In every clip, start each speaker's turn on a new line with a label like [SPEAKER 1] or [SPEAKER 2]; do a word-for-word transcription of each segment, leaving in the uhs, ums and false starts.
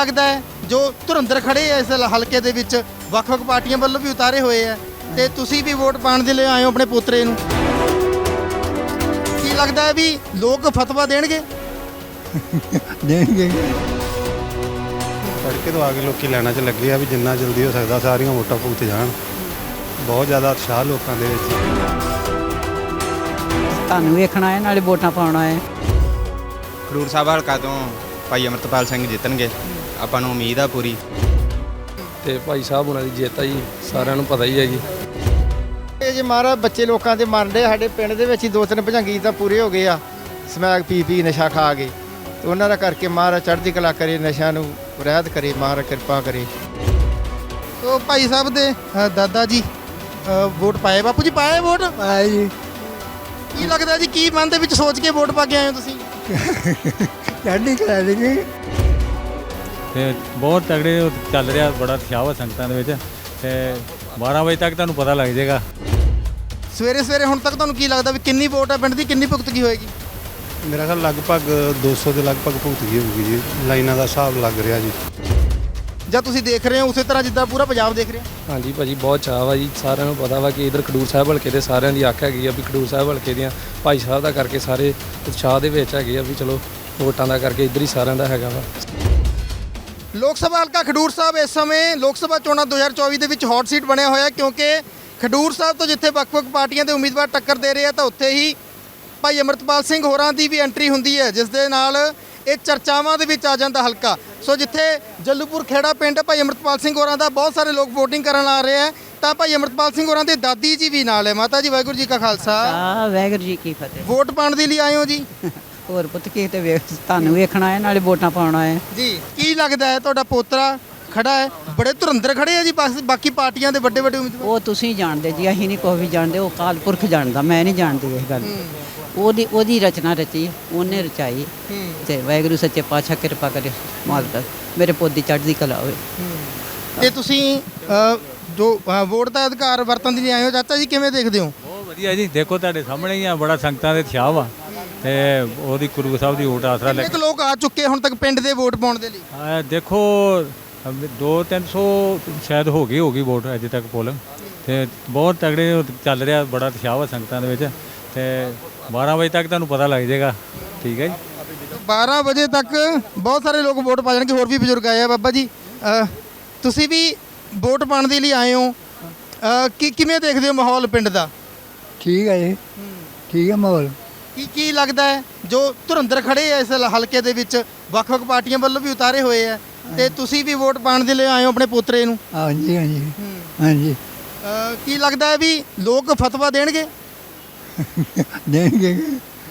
[SPEAKER 1] लगता है जो धुरंधर खड़े है इस हल्के दे विच ਵੱਖ-ਵੱਖ पार्टियां ਵੱਲੋਂ भी उतारे हुए है ਤੇ ਤੁਸੀਂ ਵੀ ਵੋਟ ਪਾਣ ਦੇ ਲਈ ਆਏ ਹੋ ਆਪਣੇ ਪੋਤਰੇ ਨੂੰ ਕੀ ਲੱਗਦਾ ਹੈ ਵੀ ਲੋਕ ਫਤਵਾ ਦੇਣਗੇ
[SPEAKER 2] ਦੇਣਗੇ
[SPEAKER 3] ਤੜਕੇ ਤੋਂ ਆ ਕੇ ਲੋਕੀ ਲੈਣਾ 'ਚ ਲੱਗੇ ਆ ਵੀ ਜਿੰਨਾ ਜਲਦੀ ਹੋ ਸਕਦਾ ਸਾਰੀਆਂ ਵੋਟਾਂ ਭੁਗਤ ਜਾਣ। ਬਹੁਤ ਜ਼ਿਆਦਾ ਉਤਸ਼ਾਹ ਲੋਕਾਂ ਦੇ ਵਿੱਚ।
[SPEAKER 2] ਤੁਹਾਨੂੰ ਵੇਖਣਾ ਹੈ ਨਾਲੇ ਵੋਟਾਂ ਪਾਉਣਾ ਹੈ।
[SPEAKER 4] ਖਡੂਰ ਸਾਹਿਬ ਹਲਕਾ ਤੋਂ ਭਾਈ ਅਮਰਤਪਾਲ ਸਿੰਘ ਜਿੱਤਣਗੇ, ਆਪਾਂ ਨੂੰ ਉਮੀਦ ਆ ਪੂਰੀ।
[SPEAKER 5] ਤੇ ਭਾਈ ਸਾਹਿਬ ਉਹਨਾਂ ਦੀ ਜਿੱਤ ਆ ਜੀ, ਸਾਰਿਆਂ ਨੂੰ ਪਤਾ ਹੀ ਹੈ ਜੀ।
[SPEAKER 6] ਇਹ ਜੇ ਮਹਾਰਾਜ ਬੱਚੇ ਲੋਕਾਂ ਦੇ ਮਰਨ ਦੇ ਸਾਡੇ ਪਿੰਡ ਦੇ ਵਿੱਚ ਹੀ ਦੋ ਤਿੰਨ ਭਜੰਗੀ ਤਾਂ ਪੂਰੇ ਹੋ ਗਏ ਆ ਸਮੈਕ ਪੀ ਪੀ ਨਸ਼ਾ ਖਾ ਕੇ ਤੇ ਉਹਨਾਂ ਦਾ ਕਰਕੇ ਮਹਾਰਾਜ ਚੜ੍ਹਦੀ ਕਲਾ ਕਰੇ, ਨਸ਼ਿਆਂ ਨੂੰ ਰਹਿਤ ਕਰੇ, ਮਹਾਰਾਜ ਕਿਰਪਾ ਕਰੇ।
[SPEAKER 1] ਤੋ ਭਾਈ ਸਾਹਿਬ ਦੇ ਅ, ਦਾਦਾ ਜੀ ਅ, ਵੋਟ ਪਾਏ ਬਾਪੂ ਜੀ ਪਾਏ ਵੋਟ
[SPEAKER 2] ਆਏ ਜੀ
[SPEAKER 1] ਕੀ ਲੱਗਦਾ ਜੀ ਕੀ ਮਨ ਦੇ ਵਿੱਚ ਸੋਚ ਕੇ ਵੋਟ ਪਾ ਕੇ ਆਏ ਹੋ ਤੁਸੀਂ
[SPEAKER 2] ਚੜ੍ਹਦੀ ਕਲਾ ਦੇਗੇ।
[SPEAKER 7] ਤੇ ਬਹੁਤ ਤਗੜੇ ਚੱਲ ਰਿਹਾ, ਬੜਾ ਉਤਸ਼ਾਹ ਵਾ ਸੰਗਤਾਂ ਦੇ ਵਿੱਚ ਤੇ ਬਾਰਾਂ ਵਜੇ ਤੱਕ ਤੁਹਾਨੂੰ ਪਤਾ ਲੱਗ ਜਾਏਗਾ।
[SPEAKER 1] ਸਵੇਰੇ ਸਵੇਰੇ ਹੁਣ ਤੱਕ ਤੁਹਾਨੂੰ ਕੀ ਲੱਗਦਾ ਵੀ ਕਿੰਨੀ ਵੋਟ ਹੈ ਪਿੰਡ ਦੀ, ਕਿੰਨੀ ਭੁਗਤਗੀ ਹੋਏਗੀ?
[SPEAKER 3] ਮੇਰਾ ਖਿਆਲ ਲਗਭਗ ਦੋ ਸੌ ਦੇ ਲਗਭਗ ਭੁਗਤ ਗਈ ਹੋਊਗੀ ਜੀ। ਲਾਈਨਾਂ ਦਾ ਹਿਸਾਬ ਲੱਗ ਰਿਹਾ ਜੀ।
[SPEAKER 1] ਜਾਂ ਤੁਸੀਂ ਦੇਖ ਰਹੇ ਹੋ ਉਸੇ ਤਰ੍ਹਾਂ ਜਿੱਦਾਂ ਪੂਰਾ ਪੰਜਾਬ ਦੇਖ ਰਿਹਾ?
[SPEAKER 5] ਹਾਂਜੀ ਭਾਜੀ, ਬਹੁਤ ਚਾਅ ਵਾ ਜੀ। ਸਾਰਿਆਂ ਨੂੰ ਪਤਾ ਵਾ ਕਿ ਇਧਰ ਖਡੂਰ ਸਾਹਿਬ ਹਲਕੇ ਦੇ ਸਾਰਿਆਂ ਦੀ ਅੱਖ ਹੈਗੀ ਆ ਵੀ ਖਡੂਰ ਸਾਹਿਬ ਹਲਕੇ ਦੀਆਂ ਭਾਈ ਸਾਹਿਬ ਦਾ ਕਰਕੇ ਸਾਰੇ ਉਤਸ਼ਾਹ ਦੇ ਵਿੱਚ ਹੈਗੇ ਆ ਵੀ ਚਲੋ ਵੋਟਾਂ ਦਾ ਕਰਕੇ ਇੱਧਰ ਹੀ ਸਾਰਿਆਂ ਦਾ ਹੈਗਾ ਵਾ।
[SPEAKER 1] ਲੋਕ ਸਭਾ ਹਲਕਾ ਖਡੂਰ ਸਾਹਿਬ ਇਸ ਸਮੇਂ ਲੋਕ ਸਭਾ ਚੋਣਾਂ ਦੋ ਹਜ਼ਾਰ ਚੌਵੀ ਦੇ ਵਿੱਚ ਹੌਟ ਸੀਟ ਬਣਿਆ ਹੋਇਆ ਕਿਉਂਕਿ ਖਡੂਰ ਸਾਹਿਬ ਤੋਂ ਜਿੱਥੇ ਵੱਖ-ਵੱਖ ਪਾਰਟੀਆਂ ਦੇ ਉਮੀਦਵਾਰ ਟੱਕਰ ਦੇ ਰਹੇ ਆ ਤਾਂ ਉੱਥੇ ਹੀ ਭਾਈ ਅਮਰਤਪਾਲ ਸਿੰਘ ਹੋਰਾਂ ਦੀ ਵੀ ਐਂਟਰੀ ਹੁੰਦੀ ਹੈ ਜਿਸ ਦੇ ਨਾਲ ਇਹ ਚਰਚਾਵਾਂ ਦੇ ਵਿੱਚ ਆ ਜਾਂਦਾ ਹਲਕਾ। ਸੋ ਜਿੱਥੇ ਜੱਲੂਪੁਰ ਖੇੜਾ ਪਿੰਡ ਭਾਈ ਅਮਰਤਪਾਲ ਸਿੰਘ ਹੋਰਾਂ ਦਾ ਬਹੁਤ ਸਾਰੇ ਲੋਕ ਵੋਟਿੰਗ ਕਰਨ ਆ ਰਹੇ ਆ ਤਾਂ ਭਾਈ ਅਮਰਤਪਾਲ ਸਿੰਘ ਹੋਰਾਂ ਦੇ ਦਾਦੀ ਜੀ ਵੀ ਨਾਲ ਹੈ। ਮਾਤਾ ਜੀ ਵਾਹਿਗੁਰੂ ਜੀ ਕਾ ਖਾਲਸਾ
[SPEAKER 2] ਆ ਵਾਹਿਗੁਰੂ ਜੀ ਕੀ ਫਤਿਹ।
[SPEAKER 1] ਵੋਟ ਪਾਉਣ ਦੇ ਲਈ ਆਏ ਹੋ ਜੀ?
[SPEAKER 2] ਹੋਰ ਪੁੱਤ ਕੀ ਤੇ ਵੇਖ ਤੁਹਾਨੂੰ ਵੇਖਣਾ ਹੈ ਨਾਲੇ ਵੋਟਾਂ ਪਾਉਣਾ ਹੈ।
[SPEAKER 1] ਜੀ ਕੀ ਲੱਗਦਾ ਹੈ ਤੁਹਾਡਾ ਪੋਤਰਾ ਖੜਾ ਹੈ, ਬੜੇ ਧੁਰੰਧਰ ਖੜੇ ਆ ਜੀ ਬਸ ਬਾਕੀ ਪਾਰਟੀਆਂ ਦੇ ਵੱਡੇ ਵੱਡੇ ਉਮੀਦਵਾਰ?
[SPEAKER 2] ਉਹ ਤੁਸੀਂ ਜਾਣਦੇ ਜੀ, ਅਸੀਂ ਨਹੀਂ ਕੋਈ ਵੀ ਜਾਣਦੇ, ਉਹ ਅਕਾਲ ਪੁਰਖ ਜਾਣਦਾ, ਮੈਂ ਨਹੀਂ ਜਾਣਦੀ ਇਸ ਗੱਲ। ਉਹਦੀ ਉਹਦੀ ਰਚਨਾ ਰਚੀ, ਉਹਨੇ ਰਚਾਈ ਤੇ ਵਾਹਿਗੁਰੂ ਸੱਚੇ ਪਾਤਸ਼ਾਹ ਕਿਰਪਾ ਕਰੇ ਮਾਲਕ ਮੇਰੇ ਪੁੱਤ ਦੀ ਚੜ੍ਹਦੀ ਕਲਾ ਹੋਵੇ।
[SPEAKER 1] ਤੇ ਤੁਸੀਂ ਅ, ਜੋ ਅ, ਵੋਟ ਦਾ ਅਧਿਕਾਰ ਵਰਤਣ ਦੇ ਲਈ ਆਏ ਹੋ ਚਾਚਾ ਜੀ ਕਿਵੇਂ ਦੇਖਦੇ ਹੋ?
[SPEAKER 7] ਬਹੁਤ ਵਧੀਆ ਜੀ, ਦੇਖੋ ਤੁਹਾਡੇ ਸਾਹਮਣੇ ਹੀ ਆ, ਬੜਾ ਸੰਗਤਾਂ ਦੇ ਉਤਸ਼ਾਹ ਵਾ ਤੇ ਉਹਦੀ ਗੁਰੂ ਸਾਹਿਬ ਦੀ ਵੋਟ ਆਸਰਾ ਲੈ
[SPEAKER 1] ਕਿੰਨੇ ਕੁ ਲੋਕ ਆ ਚੁੱਕੇ ਹੁਣ ਤੱਕ ਪਿੰਡ ਦੇ ਵੋਟ ਪਾਉਣ ਦੇ ਲਈ?
[SPEAKER 7] ਆ ਦੇਖੋ ਦੋ ਤਿੰਨ ਸੌ ਸ਼ਾਇਦ ਹੋ ਗਈ ਹੋਗੀ ਵੋਟ ਅਜੇ ਤੱਕ ਪੋਲਿੰਗ ਤੇ ਬਹੁਤ ਤਗੜੇ ਚੱਲ ਰਿਹਾ, ਬੜਾ ਉਤਸ਼ਾਹ ਵਾ ਸੰਗਤਾਂ ਦੇ ਵਿੱਚ ਤੇ ਬਾਰਾਂ ਵਜੇ ਤੱਕ ਤੁਹਾਨੂੰ ਪਤਾ ਲੱਗ ਜਾਏਗਾ। ਠੀਕ ਹੈ ਜੀ।
[SPEAKER 1] ਬਾਰਾਂ ਵਜੇ ਤੱਕ ਬਹੁਤ ਸਾਰੇ ਲੋਕ ਵੋਟ ਪਾ ਜਾਣਗੇ। ਹੋਰ ਵੀ ਬਜ਼ੁਰਗ ਆਏ ਆ। ਬਾਬਾ ਜੀ ਅ, ਤੁਸੀਂ ਵੀ ਵੋਟ ਪਾਉਣ ਦੇ ਲਈ ਆਏ ਹੋ, ਅ, ਕੀ ਕਿਵੇਂ ਦੇਖਦੇ ਹੋ ਮਾਹੌਲ ਪਿੰਡ ਦਾ?
[SPEAKER 8] ਠੀਕ ਹੈ ਜੀ, ਠੀਕ ਹੈ ਮਾਹੌਲ।
[SPEAKER 1] ਕੀ ਕੀ ਲੱਗਦਾ ਹੈ ਜੋ ਧੁਰੰਧਰ ਖੜੇ ਆ ਇਸ ਹਲਕੇ ਦੇ ਵਿੱਚ ਵੱਖ-ਵੱਖ ਪਾਰਟੀਆਂ ਵੱਲੋਂ ਵੀ ਉਤਾਰੇ ਹੋਏ ਆ ਤੇ ਤੁਸੀਂ ਵੀ ਵੋਟ ਪਾਉਣ ਦੇ ਲਈ ਆਏ ਹੋ ਆਪਣੇ ਪੋਤਰੇ ਨੂੰ?
[SPEAKER 8] ਹਾਂਜੀ ਹਾਂਜੀ ਹਾਂਜੀ
[SPEAKER 1] ਅ, ਕੀ ਲੱਗਦਾ ਹੈ ਵੀ ਲੋਕ ਫਤਵਾ ਦੇਣਗੇ
[SPEAKER 8] ਦੇਣਗੇ।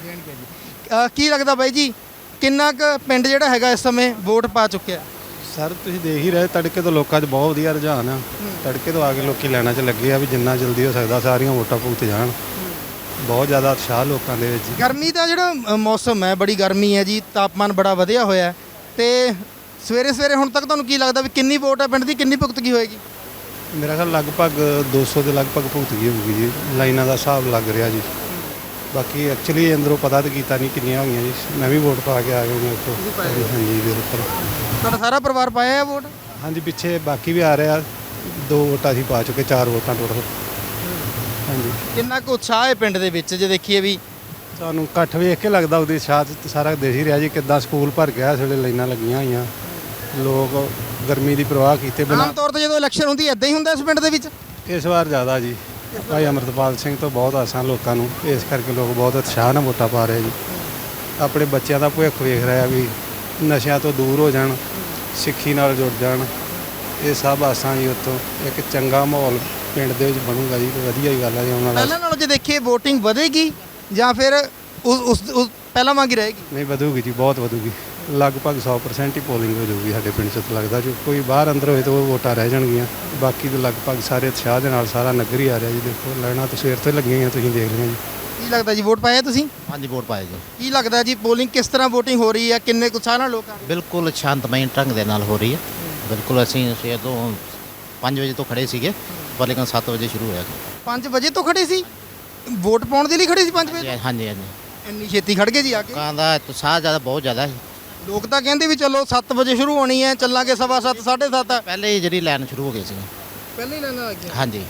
[SPEAKER 1] ਅ, ਕੀ ਲੱਗਦਾ ਬਾਈ ਜੀ ਕਿੰਨਾ ਕੁ ਪਿੰਡ ਜਿਹੜਾ ਹੈਗਾ ਇਸ ਸਮੇਂ ਵੋਟ ਪਾ ਚੁੱਕਿਆ?
[SPEAKER 3] ਸਰ ਤੁਸੀਂ ਦੇਖ ਹੀ ਰਹੇ ਤੜਕੇ ਤੋਂ ਲੋਕਾਂ 'ਚ ਬਹੁਤ ਵਧੀਆ ਰੁਝਾਨ ਆ। ਤੜਕੇ ਤੋਂ ਆ ਕੇ ਲੋਕੀ ਲੈਣਾ 'ਚ ਲੱਗੇ ਆ ਵੀ ਜਿੰਨਾ ਜਲਦੀ ਹੋ ਸਕਦਾ ਸਾਰੀਆਂ ਵੋਟਾਂ ਭੁਗਤ ਜਾਣ। ਬਹੁਤ ਜ਼ਿਆਦਾ ਉਤਸ਼ਾਹ ਲੋਕਾਂ ਦੇ ਵਿੱਚ।
[SPEAKER 1] ਗਰਮੀ ਦਾ ਜਿਹੜਾ ਅ, ਮੌਸਮ ਹੈ, ਬੜੀ ਗਰਮੀ ਹੈ ਜੀ, ਤਾਪਮਾਨ ਬੜਾ ਵਧਿਆ ਹੋਇਆ ਹੈ ਤੇ ਸਵੇਰੇ ਸਵੇਰੇ ਹੁਣ ਤੱਕ ਤੁਹਾਨੂੰ ਕੀ ਲੱਗਦਾ ਵੀ ਕਿੰਨੀ ਵੋਟ ਹੈ ਪਿੰਡ ਦੀ, ਕਿੰਨੀ ਭੁਗਤਗੀ ਹੋਏਗੀ?
[SPEAKER 3] ਮੇਰਾ ਖਿਆਲ ਲਗਭਗ ਦੋ ਸੌ ਦੇ ਲਗਭਗ ਭੁਗਤ ਗਈ ਹੋਊਗੀ ਜੀ। ਲਾਈਨਾਂ ਦਾ ਹਿਸਾਬ ਲੱਗ ਰਿਹਾ ਜੀ। ਬਾਕੀ ਐਕਚੁਅਲੀ ਅੰਦਰੋਂ ਪਤਾ ਤਾਂ ਕੀਤਾ ਨਹੀਂ ਕਿੰਨੀਆਂ ਹੋਈਆਂ ਜੀ। ਮੈਂ ਵੀ ਵੋਟ ਪਾ ਕੇ ਆ ਗਿਆ ਮੇਰੇ ਤੋਂ। ਹਾਂਜੀ ਬਿਲਕੁਲ।
[SPEAKER 1] ਤੁਹਾਡਾ ਸਾਰਾ ਪਰਿਵਾਰ ਪਾਇਆ ਹੈ ਵੋਟ?
[SPEAKER 3] ਹਾਂਜੀ ਪਿੱਛੇ ਬਾਕੀ ਵੀ ਆ ਰਹੇ ਆ। ਦੋ ਵੋਟਾਂ ਅਸੀਂ ਪਾ ਚੁੱਕੇ, ਚਾਰ ਵੋਟਾਂ ਟੋਟਲ। ਹਾਂਜੀ
[SPEAKER 1] ਕਿੰਨਾ ਕੁ ਉਤਸ਼ਾਹ ਹੈ ਪਿੰਡ ਦੇ ਵਿੱਚ ਜੇ ਦੇਖੀਏ ਵੀ?
[SPEAKER 3] ਤੁਹਾਨੂੰ ਇਕੱਠ ਵੇਖ ਕੇ ਲੱਗਦਾ ਉਹਦੀ ਸ਼ਾਇਦ ਸਾਰਾ ਦੇਖ ਹੀ ਰਿਹਾ ਜੀ ਕਿੱਦਾਂ ਸਕੂਲ ਭਰ ਗਿਆ, ਇਸ ਵੇਲੇ ਲਾਈਨਾਂ ਲੱਗੀਆਂ ਹੋਈਆਂ। ਲੋਕ ਗਰਮੀ ਦੀ ਪ੍ਰਵਾਹ ਕੀਤੇ ਬਿਨਾਂ।
[SPEAKER 1] ਆਮ ਤੌਰ ਤੇ ਜਦੋਂ ਇਲੈਕਸ਼ਨ ਹੁੰਦੀ ਹੈ ਇਦਾਂ ਹੀ ਹੁੰਦਾ ਇਸ ਪਿੰਡ ਦੇ ਵਿੱਚ?
[SPEAKER 3] ਇਸ ਵਾਰ ਜ਼ਿਆਦਾ ਜੀ। ਭਾਈ ਅਮਰਤਪਾਲ ਸਿੰਘ ਤੋਂ ਬਹੁਤ ਆਸਾਂ ਲੋਕਾਂ ਨੂੰ, ਇਸ ਕਰਕੇ ਲੋਕ ਬਹੁਤ ਉਤਸ਼ਾਹ ਨਾਲ ਵੋਟਾਂ ਪਾ ਰਹੇ ਜੀ। ਆਪਣੇ ਬੱਚਿਆਂ ਦਾ ਭਵਿੱਖ ਵੇਖ ਰਿਹਾ ਵੀ ਨਸ਼ਿਆਂ ਤੋਂ ਦੂਰ ਹੋ ਜਾਣ, ਸਿੱਖੀ ਨਾਲ ਜੁੜ ਜਾਣ। ਇਹ ਸਭ ਆਸਾਂ ਜੀ ਉੱਥੋਂ ਇੱਕ ਚੰਗਾ ਮਾਹੌਲ ਪਿੰਡ ਦੇ ਵਿੱਚ ਬਣੂਗਾ ਜੀ। ਵਧੀਆ ਹੀ ਗੱਲ ਹੈ ਜੀ। ਆਉਣ ਵਾਲਾ
[SPEAKER 1] ਪਹਿਲਾਂ ਨਾਲੋਂ ਜੇ ਦੇਖੀਏ ਵੋਟਿੰਗ ਵਧੇਗੀ ਜਾਂ ਫਿਰ ਉਸ ਉਸ ਉਸ ਪਹਿਲਾਂ ਵਾਂਗ ਹੀ ਰਹੇਗੀ?
[SPEAKER 3] ਨਹੀਂ ਵਧੂਗੀ ਜੀ, ਬਹੁਤ ਵਧੂਗੀ। ਲਗਭਗ ਸੌ ਪਰਸੈਂਟ ਹੀ ਪੋਲਿੰਗ ਹੋ ਜਾਊਗੀ ਸਾਡੇ ਪਿੰਡ 'ਚ ਤਾਂ ਲੱਗਦਾ। ਜੋ ਕੋਈ ਬਾਹਰ ਅੰਦਰ ਹੋਏ ਤਾਂ ਉਹ ਵੋਟਾਂ ਰਹਿ ਜਾਣਗੀਆਂ। ਬਾਕੀ ਤਾਂ ਲਗਭਗ ਸਾਰੇ ਉਤਸ਼ਾਹ ਦੇ ਨਾਲ ਸਾਰਾ ਨਗਰ ਹੀ ਆ ਰਿਹਾ ਜੀ। ਦੇਖੋ ਲੈਣਾ ਤਾਂ ਸਵੇਰ ਤੋਂ ਹੀ ਲੱਗੀਆਂ ਹੋਈਆਂ, ਤੁਸੀਂ ਦੇਖ ਰਹੇ ਹੋ ਜੀ।
[SPEAKER 1] ਕੀ ਲੱਗਦਾ ਜੀ ਵੋਟ ਪਾਇਆ ਤੁਸੀਂ?
[SPEAKER 9] ਹਾਂਜੀ ਵੋਟ ਪਾਏ ਜੀ।
[SPEAKER 1] ਕੀ ਲੱਗਦਾ ਜੀ ਪੋਲਿੰਗ ਕਿਸ ਤਰ੍ਹਾਂ ਵੋਟਿੰਗ ਹੋ ਰਹੀ ਹੈ, ਕਿੰਨੇ ਉਤਸ਼ਾਹ ਨਾਲ ਲੋਕ ਆ ਰਹੇ?
[SPEAKER 9] ਬਿਲਕੁਲ ਸ਼ਾਂਤਮਈ ਢੰਗ ਦੇ ਨਾਲ ਹੋ ਰਹੀ ਹੈ। ਬਿਲਕੁਲ ਅਸੀਂ ਸਵੇਰ ਤੋਂ ਪੰਜ ਵਜੇ ਤੋਂ ਖੜੇ ਸੀਗੇ ਪਰ ਲੇਕਿਨ ਸੱਤ ਵਜੇ ਸ਼ੁਰੂ ਹੋਇਆ।
[SPEAKER 1] ਪੰਜ ਵਜੇ ਤੋਂ ਖੜੇ ਸੀ ਵੋਟ ਪਾਉਣ ਦੇ ਲਈ? ਖੜੇ ਸੀ ਪੰਜ ਵਜੇ?
[SPEAKER 9] ਹਾਂਜੀ ਹਾਂਜੀ।
[SPEAKER 1] ਇੰਨੀ ਛੇਤੀ ਖੜ ਗਏ ਜੀ ਆ ਕੇ?
[SPEAKER 9] ਲੋਕਾਂ ਦਾ ਉਤਸ਼ਾਹ ਜ਼ਿਆਦਾ ਬਹੁਤ ਜ਼ਿਆਦਾ ਸੀ।
[SPEAKER 1] ਲੋਕ ਤਾਂ ਕਹਿੰਦੇ ਵੀ ਚਲੋ ਸੱਤ ਵਜੇ ਸ਼ੁਰੂ ਹੋਣੀ ਹੈ, ਚੱਲਾਂਗੇ ਸਵਾ ਸੱਤ ਸਾਢੇ ਸੱਤ।
[SPEAKER 9] ਪਹਿਲੇ ਹੀ ਜਿਹੜੀ ਲਾਈਨ ਸ਼ੁਰੂ ਹੋ ਗਈ ਸੀ।
[SPEAKER 1] ਪਹਿਲਾਂ ਹੀ ਲੈਣਾ ਆ ਗਿਆ।
[SPEAKER 9] ਹਾਂਜੀ।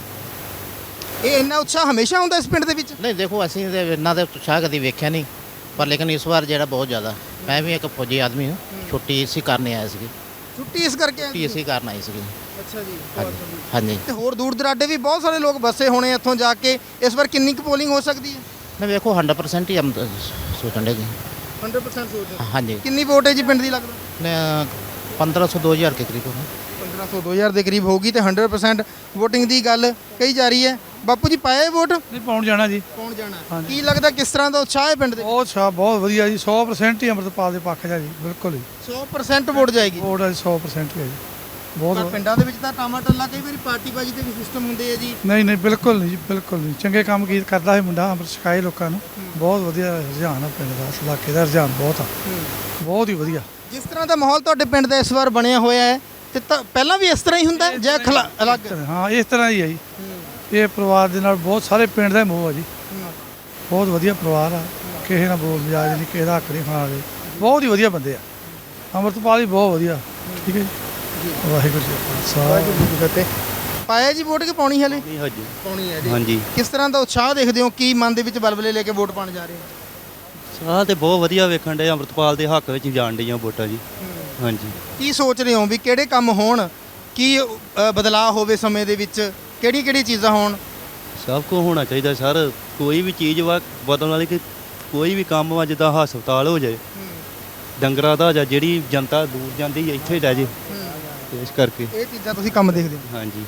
[SPEAKER 1] ਇਹ ਇੰਨਾ ਉਤਸ਼ਾਹ ਹਮੇਸ਼ਾ ਹੁੰਦਾ ਇਸ ਪਿੰਡ ਦੇ ਵਿੱਚ?
[SPEAKER 9] ਨਹੀਂ ਦੇਖੋ, ਅਸੀਂ ਤੇ ਇਹਨਾਂ ਦੇ ਉਤਸ਼ਾਹ ਕਦੀ ਵੇਖਿਆ ਨਹੀਂ, ਪਰ ਲੇਕਿਨ ਇਸ ਵਾਰ ਜਿਹੜਾ ਬਹੁਤ ਜ਼ਿਆਦਾ। ਮੈਂ ਵੀ ਇੱਕ ਫੌਜੀ ਆਦਮੀ ਹਾਂ, ਛੁੱਟੀ ਇਸੇ ਕਰਨ ਆਇਆ ਸੀ।
[SPEAKER 1] ਛੁੱਟੀ ਇਸ ਕਰਕੇ?
[SPEAKER 9] ਛੁੱਟੀ ਇਸੇ ਕਰਨ ਆਈ ਸੀ।
[SPEAKER 1] ਅੱਛਾ ਜੀ।
[SPEAKER 9] ਹਾਂਜੀ।
[SPEAKER 1] ਤੇ ਹੋਰ ਦੂਰ ਦਰਾਡੇ ਵੀ ਬਹੁਤ ਸਾਰੇ ਲੋਕ ਬੱਸੇ ਹੋਣੇ ਇੱਥੋਂ ਜਾ ਕੇ। ਇਸ ਵਾਰ ਕਿੰਨੀ ਕੁ ਪੋਲਿੰਗ ਹੋ ਸਕਦੀ ਹੈ?
[SPEAKER 9] ਨਹੀਂ ਵੇਖੋ, ਹੰਡਰਡ ਪਰਸੈਂਟ ਹੀ ਹਮ ਸੋਚਣ ਦੇ ਜੀ।
[SPEAKER 1] ਹੰਡਰਡ ਪਰਸੈਂਟ ਸੋਚ ਰਹੇ?
[SPEAKER 9] ਹਾਂਜੀ।
[SPEAKER 1] ਕਿੰਨੀ ਵੋਟ ਹੈ ਜੀ ਪਿੰਡ ਦੀ ਲੱਗਦਾ?
[SPEAKER 9] ਨੇ ਪੰਦਰਾਂ ਸੌ ਦੋ ਹਜ਼ਾਰ ਕੇ ਕਰੀਬ ਹੋਣਾ।
[SPEAKER 1] ਪੰਦਰਾਂ ਸੌ ਦੋ ਹਜ਼ਾਰ ਦੇ ਕਰੀਬ ਹੋਗੀ ਤੇ ਹੰਡਰਡ ਪਰਸੈਂਟ ਵੋਟਿੰਗ ਦੀ ਗੱਲ ਕਹੀ ਜਾ ਰਹੀ ਹੈ। ਬਾਪੂ ਜੀ ਪਾਏ ਵੋਟ?
[SPEAKER 10] ਨਹੀਂ, ਪਾਉਣ ਜਾਣਾ ਜੀ।
[SPEAKER 1] ਪਾਉਣ ਜਾਣਾ। ਕੀ ਲੱਗਦਾ ਕਿਸ ਤਰ੍ਹਾਂ ਦਾ ਉਤਸ਼ਾਹ ਹੈ ਪਿੰਡ ਦੇ?
[SPEAKER 10] ਬਹੁਤ ਅੱਛਾ, ਬਹੁਤ ਵਧੀਆ ਜੀ। ਸੌ ਪ੍ਰਸੈਂਟ ਹੀ ਅੰਮ੍ਰਿਤਪਾਲ ਦੇ ਪੱਖ 'ਚ ਹੈ ਜੀ, ਬਿਲਕੁਲ ਹੀ।
[SPEAKER 1] ਸੌ ਪ੍ਰਸੈਂਟ ਵੋਟ ਜਾਏਗੀ?
[SPEAKER 10] ਵੋਟ ਹੈ ਸੌ ਪ੍ਰਸੈਂਟ ਹੀ ਹੈ ਜੀ। ਬਹੁਤ
[SPEAKER 1] ਪਰ ਪਿੰਡਾਂ ਦੇ ਵਿੱਚ ਤਾਂ ਟਾਮਾ ਟੱਲਾ ਕਈ ਵਾਰੀ ਪਾਰਟੀਬਾਜ਼ੀ ਦੇ ਵੀ ਸਿਸਟਮ ਹੁੰਦੇ ਆ ਜੀ।
[SPEAKER 10] ਨਹੀਂ ਨਹੀਂ, ਬਿਲਕੁਲ ਨਹੀਂ ਜੀ, ਬਿਲਕੁਲ ਨਹੀਂ। ਚੰਗੇ ਕੰਮ ਕੀ ਕਰਦਾ ਹੈ ਮੁੰਡਾ, ਅੰਮ੍ਰਿਤ ਛਕਾਏ ਲੋਕਾਂ ਨੂੰ। ਬਹੁਤ ਵਧੀਆ ਰੁਝਾਨ ਆ ਪਿੰਡ ਦਾ, ਇਸ ਇਲਾਕੇ ਦਾ ਰੁਝਾਨ ਬਹੁਤ ਆ, ਬਹੁਤ ਹੀ ਵਧੀਆ।
[SPEAKER 1] ਜਿਸ ਤਰ੍ਹਾਂ ਦਾ ਮਾਹੌਲ ਤੁਹਾਡੇ ਪਿੰਡ ਦਾ ਇਸ ਵਾਰ ਬਣਿਆ ਹੋਇਆ ਹੈ ਤੇ ਤਾਂ ਪਹਿਲਾਂ ਵੀ ਇਸ ਤਰ੍ਹਾਂ ਹੀ ਹੁੰਦਾ ਹੈ ਜਾਂ ਖਲਾ ਅਲੱਗ?
[SPEAKER 10] ਹਾਂ, ਇਸ ਤਰ੍ਹਾਂ ਹੀ ਹੈ ਜੀ। ਇਹ ਪਰਿਵਾਰ ਦੇ ਨਾਲ ਬਹੁਤ ਸਾਰੇ ਪਿੰਡ ਦਾ ਮੋਹ ਆ ਜੀ। ਬਹੁਤ ਵਧੀਆ ਪਰਿਵਾਰ ਆ, ਕਿਸੇ ਨਾਲ ਬੋਲ ਮਜਾਜ ਨਹੀਂ, ਕਿਸੇ ਦਾ ਹੱਕ ਨਹੀਂ ਖਾਣ ਵਾਲੇ। ਬਹੁਤ ਹੀ ਵਧੀਆ ਬੰਦੇ ਆ। ਅੰਮ੍ਰਿਤਪਾਲ ਵੀ ਬਹੁਤ ਵਧੀਆ। ਠੀਕ ਹੈ ਜੀ। ਵਾਹਿਗੁਰੂ ਜੀ ਕਾ ਖਾਲਸਾ।
[SPEAKER 1] ਪਾਇਆ ਜੀ ਵੋਟ ਕਿ ਪਾਉਣੀ ਹਲੇ?
[SPEAKER 4] ਨਹੀਂ ਹਾਂਜੀ
[SPEAKER 1] ਪਾਉਣੀ ਹੈ ਜੀ।
[SPEAKER 4] ਹਾਂਜੀ।
[SPEAKER 1] ਕਿਸ ਤਰ੍ਹਾਂ ਦਾ ਉਤਸ਼ਾਹ ਦੇਖਦੇ ਹੋ? ਕੀ ਮਨ ਦੇ ਵਿੱਚ ਬਲਬਲੇ ਲੈ ਕੇ ਵੋਟ ਪਾਉਣ ਜਾ ਰਹੇ ਹੋ?
[SPEAKER 11] ਸਾਹ ਤੇ ਬਹੁਤ ਵਧੀਆ ਵੇਖਣ ਦੇ, ਅੰਮ੍ਰਿਤਪਾਲ ਦੇ ਹੱਕ ਵਿੱਚ ਜਾਣ ਡੀਆਂ ਵੋਟਾਂ ਜੀ। ਹਾਂਜੀ।
[SPEAKER 1] ਕੀ ਸੋਚ ਰਹੇ ਹੋ ਵੀ ਕਿਹੜੇ ਕੰਮ ਹੋਣ, ਕੀ ਅ, ਬਦਲਾਅ ਹੋਵੇ ਸਮੇਂ ਦੇ ਵਿੱਚ, ਕਿਹੜੀ ਕਿਹੜੀ ਚੀਜ਼ਾਂ ਹੋਣ?
[SPEAKER 11] ਸਭ ਕੁਝ ਹੋਣਾ ਚਾਹੀਦਾ ਸਰ। ਕੋਈ ਵੀ ਚੀਜ਼ ਵਾ ਬਦਲਣ ਵਾਲੀ, ਕਿ ਕੋਈ ਵੀ ਕੰਮ ਵਾ, ਜਿੱਦਾਂ ਹਸਪਤਾਲ ਹੋ ਜਾਏ, ਡੰਗਰਾਂ ਦਾ ਜਾਂ ਜਿਹੜੀ ਜਨਤਾ ਦੂਰ ਜਾਂਦੀ ਹੈ ਇੱਥੇ ਰਹਿ ਜੇ, ਇਸ ਕਰਕੇ
[SPEAKER 1] ਇਹ ਚੀਜ਼ਾਂ ਤੁਸੀਂ ਕੰਮ ਦੇਖਦੇ ਹੋ?
[SPEAKER 11] ਹਾਂਜੀ।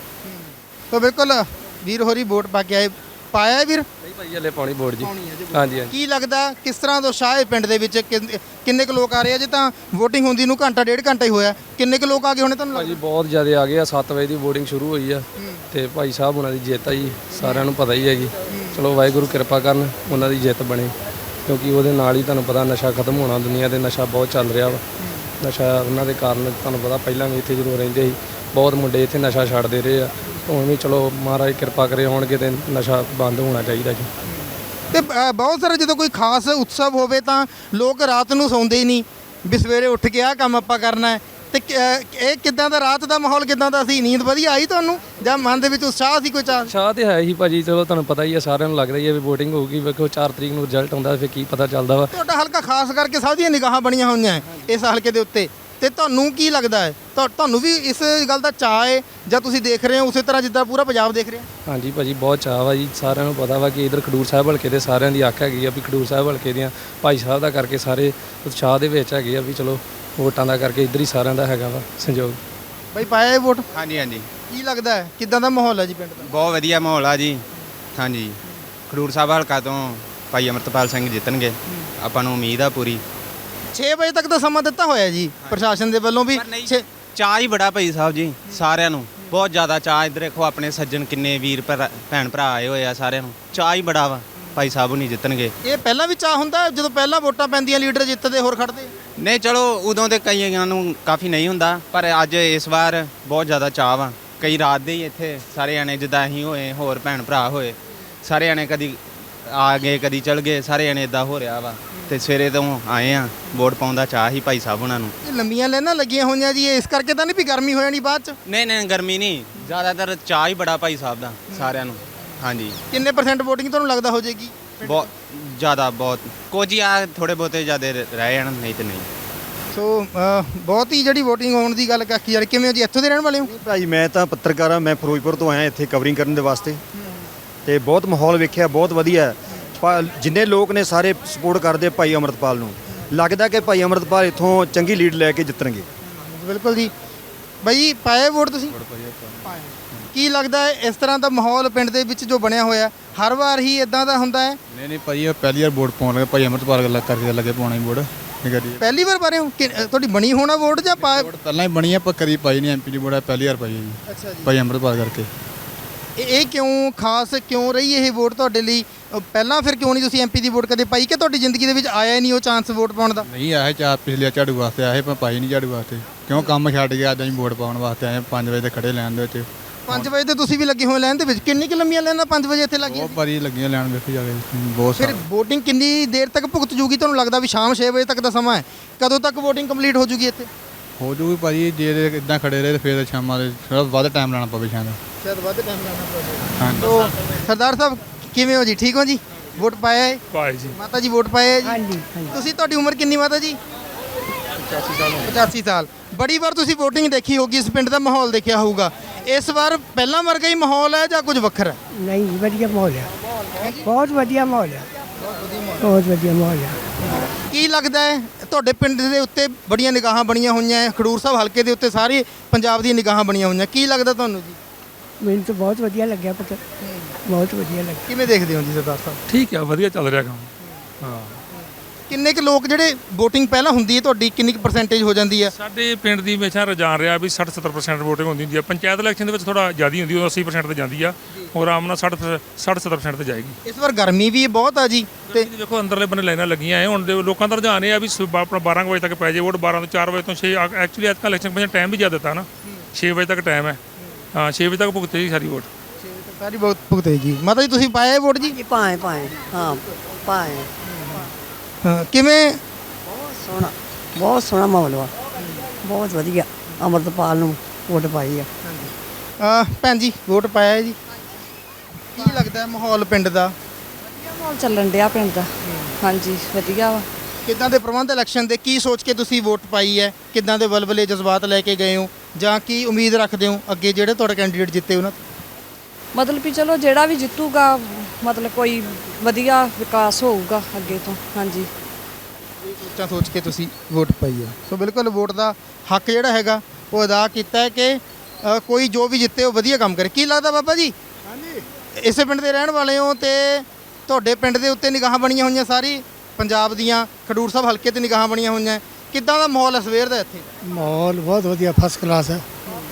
[SPEAKER 1] ਤਾਂ ਬਿਲਕੁਲ ਵੀਰ ਹੋਰੀ ਵੋਟ ਪਾ ਕੇ ਆਏ। ਪਾਇਆ ਹੈ ਵੀਰ?
[SPEAKER 5] ਨਹੀਂ ਭਾਈ, ਹਲੇ ਪਾਉਣੀ ਵੋਟ ਜੀ।
[SPEAKER 1] ਪਾਉਣੀ ਹੈ ਜੀ।
[SPEAKER 5] ਹਾਂਜੀ ਹਾਂਜੀ।
[SPEAKER 1] ਕੀ ਲੱਗਦਾ ਕਿਸ ਤਰ੍ਹਾਂ ਦਾ ਉਤਸ਼ਾਹ ਹੈ ਪਿੰਡ ਦੇ ਵਿੱਚ? ਕਿੰਨ- ਕਿੰਨੇ ਕੁ ਲੋਕ ਆ ਰਹੇ ਆ? ਜੇ ਤਾਂ VOTING ਹੁੰਦੀ ਨੂੰ ਘੰਟਾ ਡੇਢ ਘੰਟਾ ਹੀ ਹੋਇਆ, ਕਿੰਨੇ ਕੁ ਲੋਕ ਆ ਗਏ ਹੋਣੇ ਤੁਹਾਨੂੰ
[SPEAKER 5] ਭਾਜੀ
[SPEAKER 1] ਲੱਗਦਾ?
[SPEAKER 5] ਬਹੁਤ ਜ਼ਿਆਦਾ ਆ ਗਏ ਆ। ਸੱਤ ਵਜੇ ਦੀ VOTING ਸ਼ੁਰੂ ਹੋਈ ਆ ਤੇ ਭਾਈ ਸਾਹਿਬ ਉਹਨਾਂ ਦੀ ਜਿੱਤ ਆ ਜੀ, ਸਾਰਿਆਂ ਨੂੰ ਪਤਾ ਹੀ ਹੈਗੀ। ਚਲੋ ਵਾਹਿਗੁਰੂ ਕਿਰਪਾ ਕਰਨ, ਉਹਨਾਂ ਦੀ ਜਿੱਤ ਬਣੇ, ਕਿਉਂਕਿ ਉਹਦੇ ਨਾਲ ਹੀ ਤੁਹਾਨੂੰ ਪਤਾ ਨਸ਼ਾ ਖਤਮ ਹੋਣਾ। ਦੁਨੀਆ ਤੇ ਨਸ਼ਾ ਬਹੁਤ ਚੱਲ ਰਿਹਾ ਵਾ। ਨਸ਼ਾ ਉਹਨਾਂ ਦੇ ਕਾਰਨ ਤੁਹਾਨੂੰ ਪਤਾ, ਪਹਿਲਾਂ ਵੀ ਇੱਥੇ ਜਦੋਂ ਰਹਿੰਦੇ ਸੀ ਬਹੁਤ ਮੁੰਡੇ ਇੱਥੇ ਨਸ਼ਾ ਛੱਡਦੇ ਰਹੇ ਆ। ਹੁਣ ਵੀ ਚਲੋ ਮਹਾਰਾਜ ਕਿਰਪਾ ਕਰੇ ਹੋਣਗੇ ਤੇ ਨਸ਼ਾ ਬੰਦ ਹੋਣਾ ਚਾਹੀਦਾ ਜੀ।
[SPEAKER 1] ਤੇ ਅ, ਬਹੁਤ ਸਾਰੇ ਜਦੋਂ ਕੋਈ ਖਾਸ ਉਤਸਵ ਹੋਵੇ ਤਾਂ ਲੋਕ ਰਾਤ ਨੂੰ ਸੌਂਦੇ ਹੀ ਨਹੀਂ ਵੀ ਸਵੇਰੇ ਉੱਠ ਕੇ ਆਹ ਕੰਮ ਆਪਾਂ ਕਰਨਾ ਹੈ। ਤੇ ਕ- ਅ, ਇਹ ਕਿੱਦਾਂ ਦਾ ਰਾਤ ਦਾ ਮਾਹੌਲ ਕਿੱਦਾਂ ਦਾ ਸੀ? ਨੀਂਦ ਵਧੀਆ ਆਈ ਤੁਹਾਨੂੰ ਜਾਂ ਮਨ ਦੇ ਵਿੱਚ ਉਤਸ਼ਾਹ ਸੀ ਕੋਈ ਚਾਹ?
[SPEAKER 5] ਚਾਹ ਤੇ ਹੈ ਹੀ ਭਾਜੀ। ਚਲੋ ਤੁਹਾਨੂੰ ਪਤਾ ਹੀ ਆ, ਸਾਰਿਆਂ ਨੂੰ ਲੱਗਦਾ ਹੀ ਆ ਵੀ VOTING ਹੋਊਗੀ। ਵੇਖੋ ਚਾਰ ਤਰੀਕ ਨੂੰ ਰਿਜ਼ਲਟ ਆਉਂਦਾ, ਫਿਰ ਕੀ ਪਤਾ ਚੱਲਦਾ ਵਾ।
[SPEAKER 1] ਤੁਹਾਡਾ ਹਲਕਾ ਖਾਸ ਕਰਕੇ ਸਭ ਦੀਆਂ ਨਿਗਾਹਾਂ ਬਣੀਆਂ ਹੋਈਆਂ ਹੈ ਇਸ ਹਲਕੇ ਦੇ ਉੱਤੇ, ਤੇ ਤੁਹਾਨੂੰ ਕੀ ਲੱਗਦਾ ਹੈ? ਤੁਹਾ- ਤੁਹਾਨੂੰ ਵੀ ਇਸ ਗੱਲ ਦਾ ਚਾਅ ਹੈ ਜਾਂ ਤੁਸੀਂ ਦੇਖ ਰਹੇ ਹੋ ਉਸੇ ਤਰ੍ਹਾਂ ਜਿੱਦਾਂ ਪੂਰਾ ਪੰਜਾਬ ਦੇਖ ਰਿਹਾ?
[SPEAKER 5] ਹਾਂਜੀ ਭਾਜੀ, ਬਹੁਤ ਚਾਅ ਵਾ ਜੀ। ਸਾਰਿਆਂ ਨੂੰ ਪਤਾ ਵਾ ਕਿ ਇਧਰ ਖਡੂਰ ਸਾਹਿਬ ਹਲਕੇ ਦੇ ਸਾਰਿਆਂ ਦੀ ਅੱਖ ਹੈਗੀ ਆ ਵੀ ਖਡੂਰ ਸਾਹਿਬ ਹਲਕੇ ਦੀਆਂ ਭਾਈ ਸਾਹਿਬ ਦਾ ਕਰਕੇ ਸਾਰੇ ਉਤਸ਼ਾਹ ਦੇ ਵਿੱਚ ਹੈਗੇ ਆ ਵੀ ਚਲੋ ਵੋਟਾਂ ਦਾ ਕਰਕੇ ਇੱਧਰ ਹੀ ਸਾਰਿਆਂ ਦਾ ਹੈਗਾ ਵਾ ਸੰਯੋਗ।
[SPEAKER 1] ਬਾਈ ਪਾਇਆ ਇਹ ਵੋਟ?
[SPEAKER 4] ਹਾਂਜੀ ਹਾਂਜੀ।
[SPEAKER 1] ਕੀ ਲੱਗਦਾ ਹੈ ਕਿੱਦਾਂ ਦਾ ਮਾਹੌਲ ਹੈ ਜੀ ਪਿੰਡ ਦਾ?
[SPEAKER 4] ਬਹੁਤ ਵਧੀਆ ਮਾਹੌਲ ਆ ਜੀ। ਹਾਂਜੀ। ਖਡੂਰ ਸਾਹਿਬ ਹਲਕਾ ਤੋਂ ਭਾਈ ਅਮਰਤਪਾਲ ਸਿੰਘ ਜਿੱਤਣਗੇ, ਆਪਾਂ ਨੂੰ ਉਮੀਦ ਆ ਪੂਰੀ।
[SPEAKER 1] ਛੇ ਵਜੇ ਤੱਕ ਦਾ ਸਮਾਂ ਦਿੱਤਾ ਹੋਇਆ ਜੀ ਪ੍ਰਸ਼ਾਸਨ ਦੇ ਵੱਲੋਂ ਵੀ। ਛੇ-
[SPEAKER 4] ਚਾਹ ਹੀ ਬੜਾ ਭਾਈ ਸਾਹਿਬ ਜੀ, ਸਾਰਿਆਂ ਨੂੰ ਬਹੁਤ ਜ਼ਿਆਦਾ ਚਾਹ। ਇੱਧਰ ਦੇਖੋ ਆਪਣੇ ਸੱਜਣ ਕਿੰਨੇ ਵੀਰ ਭਰਾ- ਭੈਣ ਭਰਾ ਆਏ ਹੋਏ ਆ, ਸਾਰਿਆਂ ਨੂੰ ਚਾਹ ਹੀ ਬੜਾ ਵਾ ਭਾਈ ਸਾਹਿਬ ਨਹੀਂ ਜਿੱਤਣਗੇ।
[SPEAKER 1] ਇਹ ਪਹਿਲਾਂ ਵੀ ਚਾਹ ਹੁੰਦਾ ਜਦੋਂ ਪਹਿਲਾਂ ਵੋਟਾਂ ਪੈਂਦੀਆਂ ਲੀਡਰ ਜਿੱਤਦੇ ਹੋਰ ਖੜਦੇ?
[SPEAKER 4] ਨਹੀਂ ਚਲੋ ਉਦੋਂ ਦੇ ਕਈਆਂ ਨੂੰ ਕਾਫੀ ਨਹੀਂ ਹੁੰਦਾ, ਪਰ ਅੱਜ ਇਸ ਵਾਰ ਬਹੁਤ ਜ਼ਿਆਦਾ ਚਾਹ ਵਾ। ਕਈ ਰਾਤ ਦੇ ਹੀ ਇੱਥੇ ਸਾਰੇ ਜਾਣੇ ਜਿੱਦਾਂ ਅਸੀਂ ਹੋਏ, ਹੋਰ ਭੈਣ ਭਰਾ ਹੋਏ, ਸਾਰੇ ਜਾਣੇ ਕਦੀ ਆ ਗਏ ਕਦੀ ਚਲ ਗਏ, ਸਾਰੇ ਜਾਣੇ ਇਦਾਂ ਹੋ ਰਿਹਾ ਵਾ। ਤੇ ਸਵੇਰੇ ਤੋਂ ਆਏ ਆ, ਵੋਟ ਪਾਉਣ ਦਾ ਚਾਹ ਹੀ ਭਾਈ ਸਾਹਿਬ ਉਹਨਾਂ ਨੂੰ।
[SPEAKER 1] ਇਹ ਲੰਮੀਆਂ ਲਾਈਨਾਂ ਲੱਗੀਆਂ ਹੋਈਆਂ ਜੀ, ਇਸ ਕਰਕੇ ਤਾਂ ਨਹੀਂ ਵੀ ਗਰਮੀ ਹੋ ਜਾਣੀ ਬਾਅਦ ਚ?
[SPEAKER 4] ਨਹੀਂ ਨਹੀਂ ਗਰਮੀ ਨਹੀਂ, ਜ਼ਿਆਦਾਤਰ ਚਾਹ ਹੀ ਬੜਾ ਭਾਈ ਸਾਹਿਬ ਦਾ ਸਾਰਿਆਂ ਨੂੰ। ਹਾਂਜੀ।
[SPEAKER 1] ਕਿੰਨੇ ਪਰਸੈਂਟ VOTING ਤੁਹਾਨੂੰ ਲੱਗਦਾ ਹੋ ਜਾਏਗੀ?
[SPEAKER 4] ਬਹੁਤ ਜ਼ਿਆਦਾ, ਬਹੁਤ ਕੁਝ ਹੀ ਆ, ਥੋੜੇ ਬਹੁਤੇ ਜ਼ਿਆਦਾ ਰਹਿ ਜਾਣ, ਨਹੀਂ ਤੇ ਨਹੀਂ।
[SPEAKER 1] ਸੋ ਅ, ਬਹੁਤ ਹੀ ਜਿਹੜੀ VOTING ਹੋਣ ਦੀ ਗੱਲ ਕਾਕੀ ਯਾਰ, ਕਿਵੇਂ ਹੋ ਜੀ? ਇੱਥੋਂ ਦੇ ਰਹਿਣ ਵਾਲੇ ਹੋ?
[SPEAKER 12] ਭਾਈ ਮੈਂ ਤਾਂ ਪੱਤਰਕਾਰ ਹਾਂ, ਮੈਂ ਫਿਰੋਜ਼ਪੁਰ ਤੋਂ ਆਇਆ ਇੱਥੇ ਕਵਰਿੰਗ ਕਰਨ ਦੇ ਵਾਸਤੇ, ਤੇ ਬਹੁਤ ਮਾਹੌਲ ਵੇਖਿਆ, ਬਹੁਤ ਵਧੀਆ। ਜਿੰਨੇ ਲੋਕ ਨੇ ਸਾਰੇ ਸਪੋਰਟ ਕਰਦੇ ਭਾਈ ਅਮਰਤਪਾਲ ਨੂੰ। ਲੱਗਦਾ ਕਿ ਭਾਈ ਅਮਰਤਪਾਲ ਇੱਥੋਂ ਚੰਗੀ ਲੀਡ ਲੈ ਕੇ ਜਿੱਤਣਗੇ।
[SPEAKER 1] ਬਿਲਕੁਲ ਜੀ। ਬਾਈ ਪਾਏ ਵੋਟ ਤੁਸੀਂ? ਕੀ ਲੱਗਦਾ ਹੈ ਇਸ ਤਰ੍ਹਾਂ ਦਾ ਮਾਹੌਲ ਪਿੰਡ ਦੇ ਵਿੱਚ ਜੋ ਬਣਿਆ ਹੋਇਆ ਹਰ ਵਾਰ ਹੀ ਇਦਾਂ ਦਾ ਹੁੰਦਾ ਹੈ?
[SPEAKER 13] ਨਹੀਂ ਨਹੀਂ ਭਾਈ, ਪਹਿਲੀ ਵਾਰ ਵੋਟ ਪਾਉਣ ਲੱਗੇ ਭਾਈ ਅਮਰਤਪਾਲ ਗੱਲ ਕਰਕੇ ਲੱਗੇ ਪਾਉਣਾ ਵੋਟ।
[SPEAKER 1] ਪਹਿਲੀ ਵਾਰ ਪਾ ਰਹੇ ਹੋ? ਕਿ- ਤੁਹਾਡੀ ਬਣੀ ਹੋਣਾ ਵੋਟ ਜਾਂ ਪਾ?
[SPEAKER 13] ਵੋਟ ਪਹਿਲਾਂ ਹੀ ਬਣੀ ਆ, ਪਰ ਕਦੀ ਪਾਈ ਨਹੀਂ ਐਮਪੀ ਦੀ ਵੋਟ, ਪਹਿਲੀ ਵਾਰ ਪਾਈ ਹੈ ਜੀ।
[SPEAKER 1] ਅੱਛਾ ਜੀ।
[SPEAKER 13] ਭਾਈ ਅਮਰਤਪਾਲ ਕਰਕੇ।
[SPEAKER 1] ਇਹ ਇਹ ਕਿਉਂ ਖਾਸ ਕਿਉਂ ਰਹੀ ਇਹ ਵੋਟ ਤੁਹਾਡੇ ਲਈ? ਅ, ਪਹਿਲਾਂ ਫਿਰ ਕਿਉਂ ਨਹੀਂ ਤੁਸੀਂ ਐਮਪੀ ਦੀ ਵੋਟ ਕਦੇ ਪਾਈ, ਕਿ ਤੁਹਾਡੀ ਜ਼ਿੰਦਗੀ ਦੇ ਵਿੱਚ ਆਇਆ ਹੀ ਨਹੀਂ ਉਹ ਚਾਂਸ ਵੋਟ ਪਾਉਣ ਦਾ?
[SPEAKER 13] ਨਹੀਂ ਆਇਆ ਚਾਰ ਪਿਛਲੇ ਝਾੜੂ ਵਾਸਤੇ ਆਏ, ਪਰ ਪਾਈ ਨਹੀਂ ਝਾੜੂ ਵਾਸਤੇ। ਕਿਉਂ ਕੰਮ ਛੱਡ ਗਿਆ, ਅੱਜ ਅਸੀਂ ਵੋਟ ਪਾਉਣ ਵਾਸਤੇ ਆਏ। ਪੰਜ ਵਜੇ ਤੇ ਖੜੇ ਲੈਣ ਦੇ ਵਿੱਚ
[SPEAKER 1] ਪੰਜ ਵਜੇ ਤੇ ਤੁਸੀਂ ਵੀ ਲੱਗੇ ਹੋਏ ਲਾਈਨ ਦੇ ਵਿੱਚ, ਕਿੰਨੀ ਕਿ ਲੰਮੀਆਂ ਲਾਈਨਾਂ ਪੰਜ ਵਜੇ ਇੱਥੇ ਲੱਗੀਆਂ
[SPEAKER 13] ਬਹੁਤ ਭਾਰੀ ਲੱਗੀਆਂ ਲੈਣ ਵੇਖੋ ਜਾ ਕੇ ਬਹੁਤ
[SPEAKER 1] ਫਿਰ
[SPEAKER 13] ਸਾਰਾ
[SPEAKER 1] VOTING ਕਿੰਨੀ ਦੇਰ ਤੱਕ ਭੁਗਤ ਜੂਗੀ ਤੁਹਾਨੂੰ ਲੱਗਦਾ ਵੀ ਸ਼ਾਮ ਛੇ ਵਜੇ ਤੱਕ ਦਾ ਸਮਾਂ ਹੈ, ਕਦੋਂ ਤੱਕ VOTING ਕੰਪਲੀਟ ਹੋ ਜੂਗੀ ਇੱਥੇ?
[SPEAKER 13] ਹੋ ਜੂਗੀ ਭਾਜੀ ਜੇ ਇਦਾਂ ਖੜੇ ਰਹੇ ਫਿਰ ਸ਼ਾਮਾਂ ਦੇ ਥੋੜਾ ਵੱਧ ਟਾਈਮ ਲਾਣਾ ਪਵੇ ਸ਼ਾਇਦ
[SPEAKER 1] ਸ਼ਾਇਦ ਵੱਧ ਟਾਈਮ ਲਾਣਾ ਪਵੇ।
[SPEAKER 13] ਹਾਂਜੀ
[SPEAKER 1] ਤੋ ਸਰਦਾਰ ਸਾਹਿਬ ਕਿਵੇਂ ਹੋ ਜੀ, ਠੀਕ ਹੋ ਜੀ? ਵੋਟ ਪਾਇਆ ਹੈ?
[SPEAKER 10] ਪਾਏ ਜੀ।
[SPEAKER 1] ਮਾਤਾ ਜੀ ਵੋਟ ਪਾਇਆ ਹੈ ਜੀ?
[SPEAKER 2] ਹਾਂਜੀ
[SPEAKER 1] ਤੁਸੀਂ, ਤੁਹਾਡੀ ਉਮਰ ਕਿੰਨੀ ਮਾਤਾ ਜੀ?
[SPEAKER 10] ਪਚਾਸੀ ਸਾਲ
[SPEAKER 1] ਪਚਾਸੀ ਸਾਲ। ਬੜੀ ਵਾਰ ਤੁਸੀਂ VOTING ਦੇਖੀ ਹੋਗੀ, ਇਸ ਪਿੰਡ ਦਾ ਮਾਹੌਲ ਦੇਖਿਆ ਹੋਊਗਾ, ਇਸ ਵਾਰ ਪਹਿਲਾਂ ਵਰਗਾ ਹੀ ਮਾਹੌਲ ਹੈ ਜਾਂ ਕੁਝ ਵੱਖਰਾ ਹੈ?
[SPEAKER 2] ਨਹੀਂ ਵਧੀਆ ਮਾਹੌਲ ਆ, ਬਹੁਤ ਵਧੀਆ ਮਾਹੌਲ ਆ, ਬਹੁਤ ਵਧੀਆ ਮਾਹੌਲ ਆ।
[SPEAKER 1] ਕੀ ਲੱਗਦਾ ਹੈ ਤੁਹਾਡੇ ਪਿੰਡ ਦੇ ਉੱਤੇ ਬੜੀਆਂ ਨਿਗਾਹਾਂ ਬਣੀਆਂ ਹੋਈਆਂ ਹੈ, ਖਡੂਰ ਸਾਹਿਬ ਹਲਕੇ ਦੇ ਉੱਤੇ ਸਾਰੇ ਪੰਜਾਬ ਦੀਆਂ ਨਿਗਾਹਾਂ ਬਣੀਆਂ ਹੋਈਆਂ, ਕੀ ਲੱਗਦਾ ਤੁਹਾਨੂੰ ਜੀ?
[SPEAKER 2] ਮੈਨੂੰ ਤਾਂ ਬਹੁਤ ਵਧੀਆ ਲੱਗਿਆ ਪੁੱਤ, ਬਹੁਤ ਵਧੀਆ ਲੱਗਿਆ।
[SPEAKER 1] ਕਿਵੇਂ ਦੇਖਦੇ ਹੋ ਜੀ ਸਰਦਾਰ ਸਾਹਿਬ?
[SPEAKER 10] ਠੀਕ ਆ, ਵਧੀਆ ਚੱਲ ਰਿਹਾ ਕੰਮ। ਹਾਂ,
[SPEAKER 1] ਕਿੰਨੇ ਕੁ ਲੋਕ ਜਿਹੜੇ VOTING ਪਹਿਲਾਂ ਹੁੰਦੀ ਹੈ ਤੁਹਾਡੀ ਕਿੰਨੀ ਕੁ ਪਰਸੈਂਟੇਜ ਹੋ ਜਾਂਦੀ ਹੈ?
[SPEAKER 10] ਸਾਡੇ ਪਿੰਡ ਦੀ ਹਮੇਸ਼ਾ ਰੁਝਾਨ ਰਿਹਾ ਵੀ ਸੱਠ ਸੱਤਰ ਪਰਸੈਂਟ ਵੋਟਿੰਗ ਹੁੰਦੀ ਹੁੰਦੀ ਆ। ਪੰਚਾਇਤ ਇਲੈਕਸ਼ਨ ਦੇ ਵਿੱਚ ਥੋੜਾ ਜ਼ਿਆਦਾ ਹੁੰਦੀ, ਉਹ ਅੱਸੀ ਪਰਸੈਂਟ ਤੇ ਜਾਂਦੀ ਆ, ਹੋਰ ਆਮ ਨਾਲ ਸੱਠ ਸੱਠ ਸੱਤਰ ਪਰਸੈਂਟ ਤੇ ਜਾਏਗੀ।
[SPEAKER 1] ਇਸ ਵਾਰ ਗਰਮੀ ਵੀ ਬਹੁਤ ਆ ਜੀ,
[SPEAKER 10] ਤੇ ਦੇਖੋ ਅੰਦਰਲੇ ਬੰਨੇ ਲਾਈਨਾਂ ਲੱਗੀਆਂ ਐ, ਹੁਣ ਦੇ ਲੋਕਾਂ ਦਾ ਰੁਝਾਨ ਇਹ ਆ ਵੀ ਸ- ਆਪਣਾ ਬਾਰਾਂ ਕੁ ਵਜੇ ਤੱਕ ਪੈ ਜੇ ਵੋਟ, ਬਾਰਾਂ ਤੋਂ ਚਾਰ ਵਜੇ ਤੋਂ ਛੇ। ਐਕਚੁਅਲੀ ਅੱਜ ਕੱਲ੍ਹ ਇਲੈਕਸ਼ਨ ਕਮਿਸ਼ਨ ਟਾਈਮ ਵੀ ਜ਼ਿਆਦਾ ਦਿੱਤਾ ਨਾ, ਛੇ ਵਜੇ ਤੱਕ ਟਾਈਮ ਹੈ। ਹਾਂ, ਛੇ ਵਜੇ ਤੱਕ ਭੁਗਤੇ ਜੀ ਸਾਰੀ ਵੋਟ।
[SPEAKER 1] ਸਾਰੀ ਬਹੁਤ ਭੁਗਤੇ ਜੀ। ਮਾਤਾ ਜੀ ਤੁਸੀਂ ਪਾਇਆ ਵੋਟ ਜੀ?
[SPEAKER 2] ਪਾਏ ਪਾਏ ਹਾਂ ਪਾਏ।
[SPEAKER 1] ਹਾਂ, ਕਿਵੇਂ?
[SPEAKER 2] ਸੋਹਣਾ, ਬਹੁਤ ਸੋਹਣਾ ਮਾਹੌਲ ਵਾ, ਬਹੁਤ ਵਧੀਆ। ਅੰਮ੍ਰਿਤਪਾਲ ਨੂੰ ਵੋਟ ਪਾਈ ਆ।
[SPEAKER 1] ਆ ਭੈਣ ਜੀ ਵੋਟ ਪਾਇਆ ਹੈ ਜੀ, ਕੀ ਲੱਗਦਾ ਹੈ ਮਾਹੌਲ ਪਿੰਡ ਦਾ?
[SPEAKER 14] ਮਾਹੌਲ ਚੱਲਣ ਡਿਆ ਪਿੰਡ ਦਾ, ਹਾਂਜੀ ਵਧੀਆ ਵਾ।
[SPEAKER 1] ਕਿੱਦਾਂ ਦੇ ਪ੍ਰਬੰਧ ਇਲੈਕਸ਼ਨ ਦੇ, ਕੀ ਸੋਚ ਕੇ ਤੁਸੀਂ ਵੋਟ ਪਾਈ ਹੈ? ਕਿੱਦਾਂ ਦੇ ਵਲਵਲੇ ਜਜ਼ਬਾਤ ਲੈ ਕੇ ਗਏ ਹੋ, ਜਾਂ ਕੀ ਉਮੀਦ ਰੱਖਦੇ ਹੋ ਅੱਗੇ ਜਿਹੜੇ ਤੁਹਾਡੇ ਕੈਂਡੀਡੇਟ ਜਿੱਤੇ ਉਹਨਾਂ ਤੋਂ?
[SPEAKER 14] ਮਤਲਬ ਵੀ ਚਲੋ ਜਿਹੜਾ ਵੀ ਜਿੱਤੂਗਾ, ਮਤਲਬ ਕੋਈ ਵਧੀਆ ਵਿਕਾਸ ਹੋਊਗਾ ਅੱਗੇ ਤੋਂ, ਹਾਂਜੀ।
[SPEAKER 1] ਇਹ ਸੋਚਾਂ ਸੋਚ ਕੇ ਤੁਸੀਂ ਵੋਟ ਪਾਈ ਹੈ। ਸੋ ਬਿਲਕੁਲ ਵੋਟ ਦਾ ਹੱਕ ਜਿਹੜਾ ਹੈਗਾ ਉਹ ਅਦਾ ਕੀਤਾ ਹੈ ਕਿ ਅ, ਕੋਈ ਜੋ ਵੀ ਜਿੱਤੇ ਉਹ ਵਧੀਆ ਕੰਮ ਕਰੇ। ਕੀ ਲੱਗਦਾ ਬਾਬਾ ਜੀ? ਹਾਂਜੀ, ਇਸੇ ਪਿੰਡ ਦੇ ਰਹਿਣ ਵਾਲੇ ਹੋ ਤੇ ਤੁਹਾਡੇ ਪਿੰਡ ਦੇ ਉੱਤੇ ਨਿਗਾਹਾਂ ਬਣੀਆਂ ਹੋਈਆਂ, ਸਾਰੀ ਪੰਜਾਬ ਦੀਆਂ ਖਡੂਰ ਸਾਹਿਬ ਹਲਕੇ ਤੇ ਨਿਗਾਹਾਂ ਬਣੀਆਂ ਹੋਈਆਂ, ਕਿੱਦਾਂ ਦਾ ਮਾਹੌਲ ਹੈ ਸਵੇਰ ਦਾ ਇੱਥੇ?
[SPEAKER 8] ਮਾਹੌਲ ਬਹੁਤ ਵਧੀਆ, ਫਸਟ ਕਲਾਸ ਹੈ,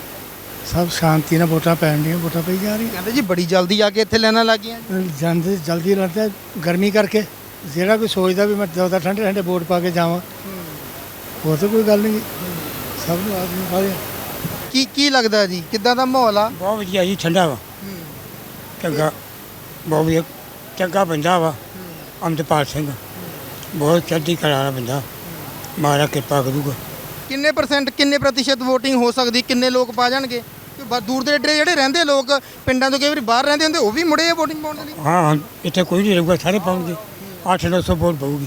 [SPEAKER 8] ਸਭ ਸ਼ਾਂਤੀ ਨਾਲ ਵੋਟਾਂ ਪੈਣ ਦੀਆਂ, ਵੋਟਾਂ ਪਈ ਜਾ ਰਹੀਆਂ।
[SPEAKER 1] ਕਹਿੰਦੇ ਜੀ ਬੜੀ ਜਲਦੀ ਆ ਕੇ ਇੱਥੇ ਲੈਣਾ ਲੱਗ ਗਈਆਂ।
[SPEAKER 8] ਜਾਂਦੇ ਜਲਦੀ ਲੜਦੇ ਗਰਮੀ ਕਰਕੇ, ਜਿਹੜਾ ਕੋਈ ਸੋਚਦਾ ਵੀ ਮੈਂ ਜ਼ਿਆਦਾ ਠੰਡੇ ਠੰਡੇ ਵੋਟ ਪਾ ਕੇ ਜਾਵਾਂ, ਉਹ ਤਾਂ ਕੋਈ ਗੱਲ ਨਹੀਂ, ਸਭ ਨੂੰ ਆਦਮੀ ਪਾ ਲਿਆ।
[SPEAKER 1] ਕੀ ਕੀ ਲੱਗਦਾ ਜੀ ਕਿੱਦਾਂ ਦਾ ਮਾਹੌਲ ਆ?
[SPEAKER 15] ਬਹੁਤ ਵਧੀਆ ਜੀ, ਠੰਡਾ ਵਾ, ਚੰਗਾ, ਬਹੁਤ ਵਧੀਆ, ਚੰਗਾ ਬੰਦਾ ਵਾ ਅੰਮ੍ਰਿਤਪਾਲ ਸਿੰਘ, ਬਹੁਤ ਚੜ੍ਹਦੀ ਕਲਾ ਵਾਲਾ ਬੰਦਾ, ਮਹਾਰਾਜ ਕਿਰਪਾ ਕਰੂਗਾ।
[SPEAKER 1] ਕਿੰਨੇ ਪਰਸੈਂਟ, ਕਿੰਨੇ ਪ੍ਰਤੀਸ਼ਤ VOTING ਹੋ ਸਕਦੀ, ਕਿੰਨੇ ਲੋਕ ਪਾ ਜਾਣਗੇ? ਕਿ ਬ- ਦੂਰ ਦੇ ਏਡੇ ਜਿਹੜੇ ਰਹਿੰਦੇ ਲੋਕ ਪਿੰਡਾਂ ਤੋਂ ਕਈ ਵਾਰੀ ਬਾਹਰ ਰਹਿੰਦੇ ਹੁੰਦੇ, ਉਹ ਵੀ ਮੁੜੇ ਆ VOTING ਪਾਉਣ ਦੇ ਲਈ?
[SPEAKER 15] ਹਾਂ ਹਾਂ, ਇੱਥੇ ਕੋਈ ਨਹੀਂ ਰਹੂਗਾ, ਸਾਰੇ ਪਾਉਣਗੇ, ਅੱਠ ਨੌ ਸੌ ਵੋਟ ਪਊਗੀ।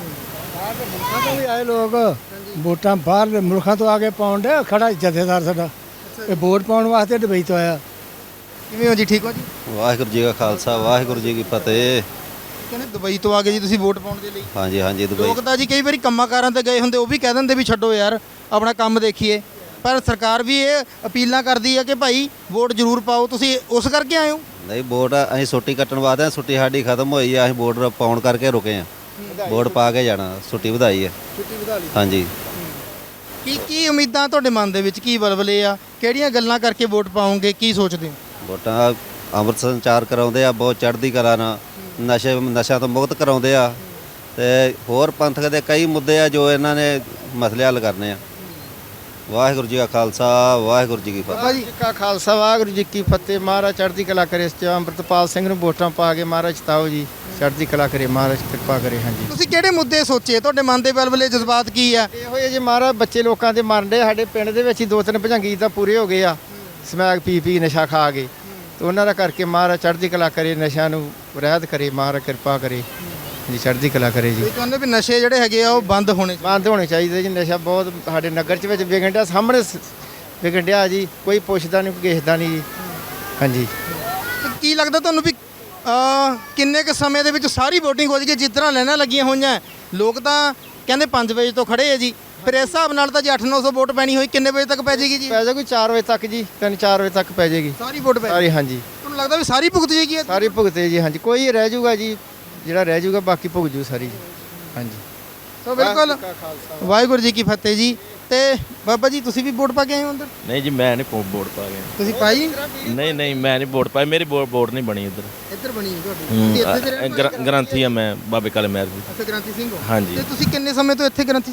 [SPEAKER 8] ਮੁਲਕਾਂ ਤੋਂ ਵੀ ਆਏ ਲੋਕ, ਵੋਟਾਂ ਬਾਹਰ ਮੁਲਕਾਂ ਤੋਂ ਆ ਕੇ ਪਾਉਣ ਦੇ, ਖੜਾ ਜਥੇਦਾਰ ਸਾਡਾ ਇਹ ਵੋਟ ਪਾਉਣ ਵਾਸਤੇ ਦੁਬਈ ਤੋਂ ਆਇਆ।
[SPEAKER 1] ਕਿਵੇਂ ਹੋ ਜੀ, ਠੀਕ ਹੋ ਜੀ?
[SPEAKER 16] ਵਾਹਿਗੁਰੂ ਜੀ ਕਾ ਖਾਲਸਾ, ਵਾਹਿਗੁਰੂ ਜੀ ਕੀ ਫਤਿਹ।
[SPEAKER 1] ਕਹਿੰਦੇ ਦੁਬਈ ਤੋਂ ਆ ਗਏ ਜੀ ਤੁਸੀਂ ਵੋਟ ਪਾਉਣ ਦੇ ਲਈ?
[SPEAKER 16] ਹਾਂਜੀ ਹਾਂਜੀ, ਦੁਬਈ।
[SPEAKER 1] ਲੋਕ ਤਾਂ ਜੀ ਕਈ ਵਾਰੀ ਕੰਮਾਂ ਕਾਰਾਂ ਤੇ ਗਏ ਹੁੰਦੇ, ਉਹ ਵੀ ਕਹਿ ਦਿੰਦੇ ਵੀ ਛੱਡੋ ਯਾਰ ਆਪਣਾ ਕੰਮ ਦੇਖੀਏ, ਪਰ ਸਰਕਾਰ ਵੀ ਇਹ ਅਪੀਲਾਂ ਕਰਦੀ ਹੈ ਕਿ ਭਾਈ ਵੋਟ ਜ਼ਰੂਰ ਪਾਓ। ਤੁਸੀਂ ਉਸ ਕਰਕੇ ਆਏ ਹੋ?
[SPEAKER 16] ਨਹੀਂ, ਵੋਟ ਅਸੀਂ ਛੁੱਟੀ ਕੱਟਣ ਵਾਸਤੇ ਆਏ, ਛੁੱਟੀ ਸਾਡੀ ਖਤਮ ਹੋਈ ਆ, ਅਸੀਂ ਵੋਟ ਪਾਉਣ ਕਰਕੇ ਰੁਕੇ ਆ, ਵੋਟ ਪਾ ਕੇ ਜਾਣਾ, ਛੁੱਟੀ ਵਧਾਈ ਹੈ।
[SPEAKER 1] ਛੁੱਟੀ ਵਧਾ ਲਈ।
[SPEAKER 16] ਹਾਂਜੀ।
[SPEAKER 1] ਕੀ ਕੀ ਉਮੀਦਾਂ ਤੁਹਾਡੇ ਮਨ ਦੇ ਵਿੱਚ, ਕੀ ਬਲਬਲੇ ਆ, ਕਿਹੜੀਆਂ ਗੱਲਾਂ ਕਰਕੇ ਵੋਟ ਪਾਓਗੇ, ਕੀ ਸੋਚਦੇ ਹੋ?
[SPEAKER 16] ਵੋਟਾਂ ਅੰਮ੍ਰਿਤ ਸੰਚਾਰ ਕਰਾਉਂਦੇ ਆ, ਬਹੁਤ ਚੜ੍ਹਦੀ ਕਲਾ ਨਾਲ, ਨਸ਼ੇ ਨਸ਼ਿਆਂ ਤੋਂ ਮੁਕਤ ਕਰਾਉਂਦੇ ਆ, ਤੇ ਹੋਰ ਪੰਥਕ ਦੇ ਕਈ ਮੁੱਦੇ ਆ ਜੋ ਇਹਨਾਂ ਨੇ ਮਸਲੇ ਹੱਲ ਕਰਨੇ ਆ। ਵਾਹਿਗੁਰੂ ਜੀ ਕਾ ਖਾਲਸਾ, ਵਾਹਿਗੁਰੂ ਜੀ ਕੀ ਫਤਿਹ।
[SPEAKER 6] ਵਾਹਿਗੁਰੂ ਜੀ ਕਾ ਖਾਲਸਾ, ਵਾਹਿਗੁਰੂ ਜੀ ਕੀ ਫਤਿਹ। ਮਹਾਰਾਜ ਚੜ੍ਹਦੀ ਕਲਾ ਕਰੇ। ਇਸ 'ਚ ਅੰਮ੍ਰਿਤਪਾਲ ਸਿੰਘ ਨੂੰ ਵੋਟਾਂ ਪਾ ਕੇ ਮਹਾਰਾਜ ਜਿਤਾਓ ਜੀ, ਚੜ੍ਹਦੀ ਕਲਾ ਕਰੇ, ਮਹਾਰਾਜ ਕਿਰਪਾ ਕਰੇ। ਹਾਂਜੀ,
[SPEAKER 1] ਤੁਸੀਂ ਕਿਹੜੇ ਮੁੱਦੇ ਸੋਚੇ, ਤੁਹਾਡੇ ਮਨ ਦੇ ਬਲਬਲੇ ਜਜ਼ਬਾਤ ਕੀ ਆ?
[SPEAKER 6] ਇਹੋ ਜਿਹੇ ਜੇ ਮਹਾਰਾਜ ਬੱਚੇ ਲੋਕਾਂ ਦੇ ਮਰਨ ਡੇ, ਸਾਡੇ ਪਿੰਡ ਦੇ ਵਿੱਚ ਹੀ ਦੋ ਤਿੰਨ ਭਜੰਗੀ ਤਾਂ ਪੂਰੇ ਹੋ ਗਏ ਆ, ਸਮੈਕ ਪੀ ਪੀ ਨਸ਼ਾ ਖਾ ਕੇ, ਤੇ ਉਹਨਾਂ ਦਾ ਕਰਕੇ ਮਹਾਰਾਜ ਚੜ੍ਹਦੀ ਕਲਾ ਕਰੇ, ਨਸ਼ਿਆਂ ਨੂੰ ਰਹਿਤ ਕਰੇ, ਮਹਾਰਾਜ ਕਿਰਪਾ ਕਰੇ ਜੀ, ਚੜ੍ਹਦੀ ਕਲਾ ਕਰੇ ਜੀ।
[SPEAKER 1] ਇਹ ਕਹਿੰਦੇ ਵੀ ਨਸ਼ੇ ਜਿਹੜੇ ਹੈਗੇ ਆ ਉਹ ਬੰਦ ਹੋਣੇ
[SPEAKER 6] ਬੰਦ ਹੋਣੇ ਚਾਹੀਦੇ ਜੀ। ਨਸ਼ਾ ਬਹੁਤ ਸਾਡੇ ਨਗਰ 'ਚ ਵਿੱਚ ਵਿਗਣ ਡਿਆ, ਸਾਹਮਣੇ ਸ- ਵਿਗਣ ਡਿਆ ਜੀ, ਕੋਈ ਪੁੱਛਦਾ ਨਹੀਂ, ਕੋਈ ਦੇਖਦਾ ਨਹੀਂ ਜੀ। ਹਾਂਜੀ,
[SPEAKER 1] ਤੇ ਕੀ ਲੱਗਦਾ ਤੁਹਾਨੂੰ ਵੀ ਅਹ, ਕਿੰਨੇ ਕੁ ਸਮੇਂ ਦੇ ਵਿੱਚ ਸਾਰੀ VOTING ਹੋ ਜਾਏਗੀ? ਜਿਸ ਤਰ੍ਹਾਂ ਲਾਈਨਾਂ ਲੱਗੀਆਂ ਹੋਈਆਂ, ਲੋਕ ਤਾਂ ਕਹਿੰਦੇ ਪੰਜ ਵਜੇ ਤੋਂ ਖੜੇ ਆ ਜੀ, ਫਿਰ ਇਸ ਹਿਸਾਬ ਨਾਲ ਤਾਂ ਜੇ ਅੱਠ ਨੌ ਸੌ ਵੋਟ ਪੈਣੀ ਹੋਈ, ਕਿੰਨੇ ਵਜੇ ਤੱਕ ਪੈ ਜਾਏਗੀ ਜੀ?
[SPEAKER 6] ਪੈ ਜਾਏਗੀ ਚਾਰ ਵਜੇ ਤੱਕ ਜੀ, ਤਿੰਨ ਚਾਰ ਵਜੇ ਤੱਕ ਪੈ ਜਾਏਗੀ
[SPEAKER 1] ਸਾਰੀ ਵੋਟ ਪੈ
[SPEAKER 6] ਸਾਰੀ। ਹਾਂਜੀ,
[SPEAKER 1] ਤੁਹਾਨੂੰ ਲੱਗਦਾ ਵੀ ਸਾਰੀ ਭੁਗਤ ਜਾਏਗੀ ਇਹ?
[SPEAKER 6] ਸਾਰੀ ਭੁਗਤੇ ਜੀ। ਹਾਂਜੀ, ਕੋਈ ਰਹਿ ਜਾਊਗਾ ਜੀ, ਜਿਹੜਾ ਰਹਿ ਜਾਊਗਾ ਬਾਕੀ ਭੁਗਤ ਜੂ ਸਾਰੀ ਜੀ। ਹਾਂਜੀ,
[SPEAKER 1] ਸੋ ਬਿਲਕੁਲ ਵਾਹਿਗੁਰੂ ਜੀ ਕੀ ਫਤਿਹ ਜੀ। ਤੇ ਬਾਬਾ ਜੀ ਤੁਸੀਂ ਵੀ ਵੋਟ ਪਾ ਕੇ ਆਏ ਹੋ ਅੰਦਰ?
[SPEAKER 17] ਨਹੀਂ ਜੀ, ਮੈਂ ਨਹੀਂ ਵੋਟ ਪਾ ਗਿਆ।
[SPEAKER 1] ਤੁਸੀਂ ਪਾਈ?
[SPEAKER 17] ਨਹੀਂ ਨਹੀਂ, ਮੈਂ ਨਹੀਂ ਵੋਟ ਪਾਈ, ਮੇਰੀ ਵੋਟ ਨਹੀਂ ਬਣੀ ਇੱਧਰ।
[SPEAKER 1] ਇੱਧਰ ਬਣੀ ਹੈ ਤੁਹਾਡੀ? ਤੁਸੀਂ ਇੱਥੇ ਦੇ ਰਹਿਣ ਵਾਲੇ?
[SPEAKER 17] ਗ੍ਰੰਥੀ ਆ ਮੈਂ, ਬਾਬੇ ਕਾਲੇ ਮਹਿਰ ਜੀ।
[SPEAKER 1] ਅੱਛਾ, ਗ੍ਰੰਥੀ ਸਿੰਘ ਹੋ?
[SPEAKER 17] ਹਾਂਜੀ।
[SPEAKER 1] ਤੇ ਤੁਸੀਂ ਕਿੰਨੇ ਸਮੇਂ ਤੋਂ ਇੱਥੇ ਗ੍ਰੰਥੀ ਸਿੰਘ ਹੋ?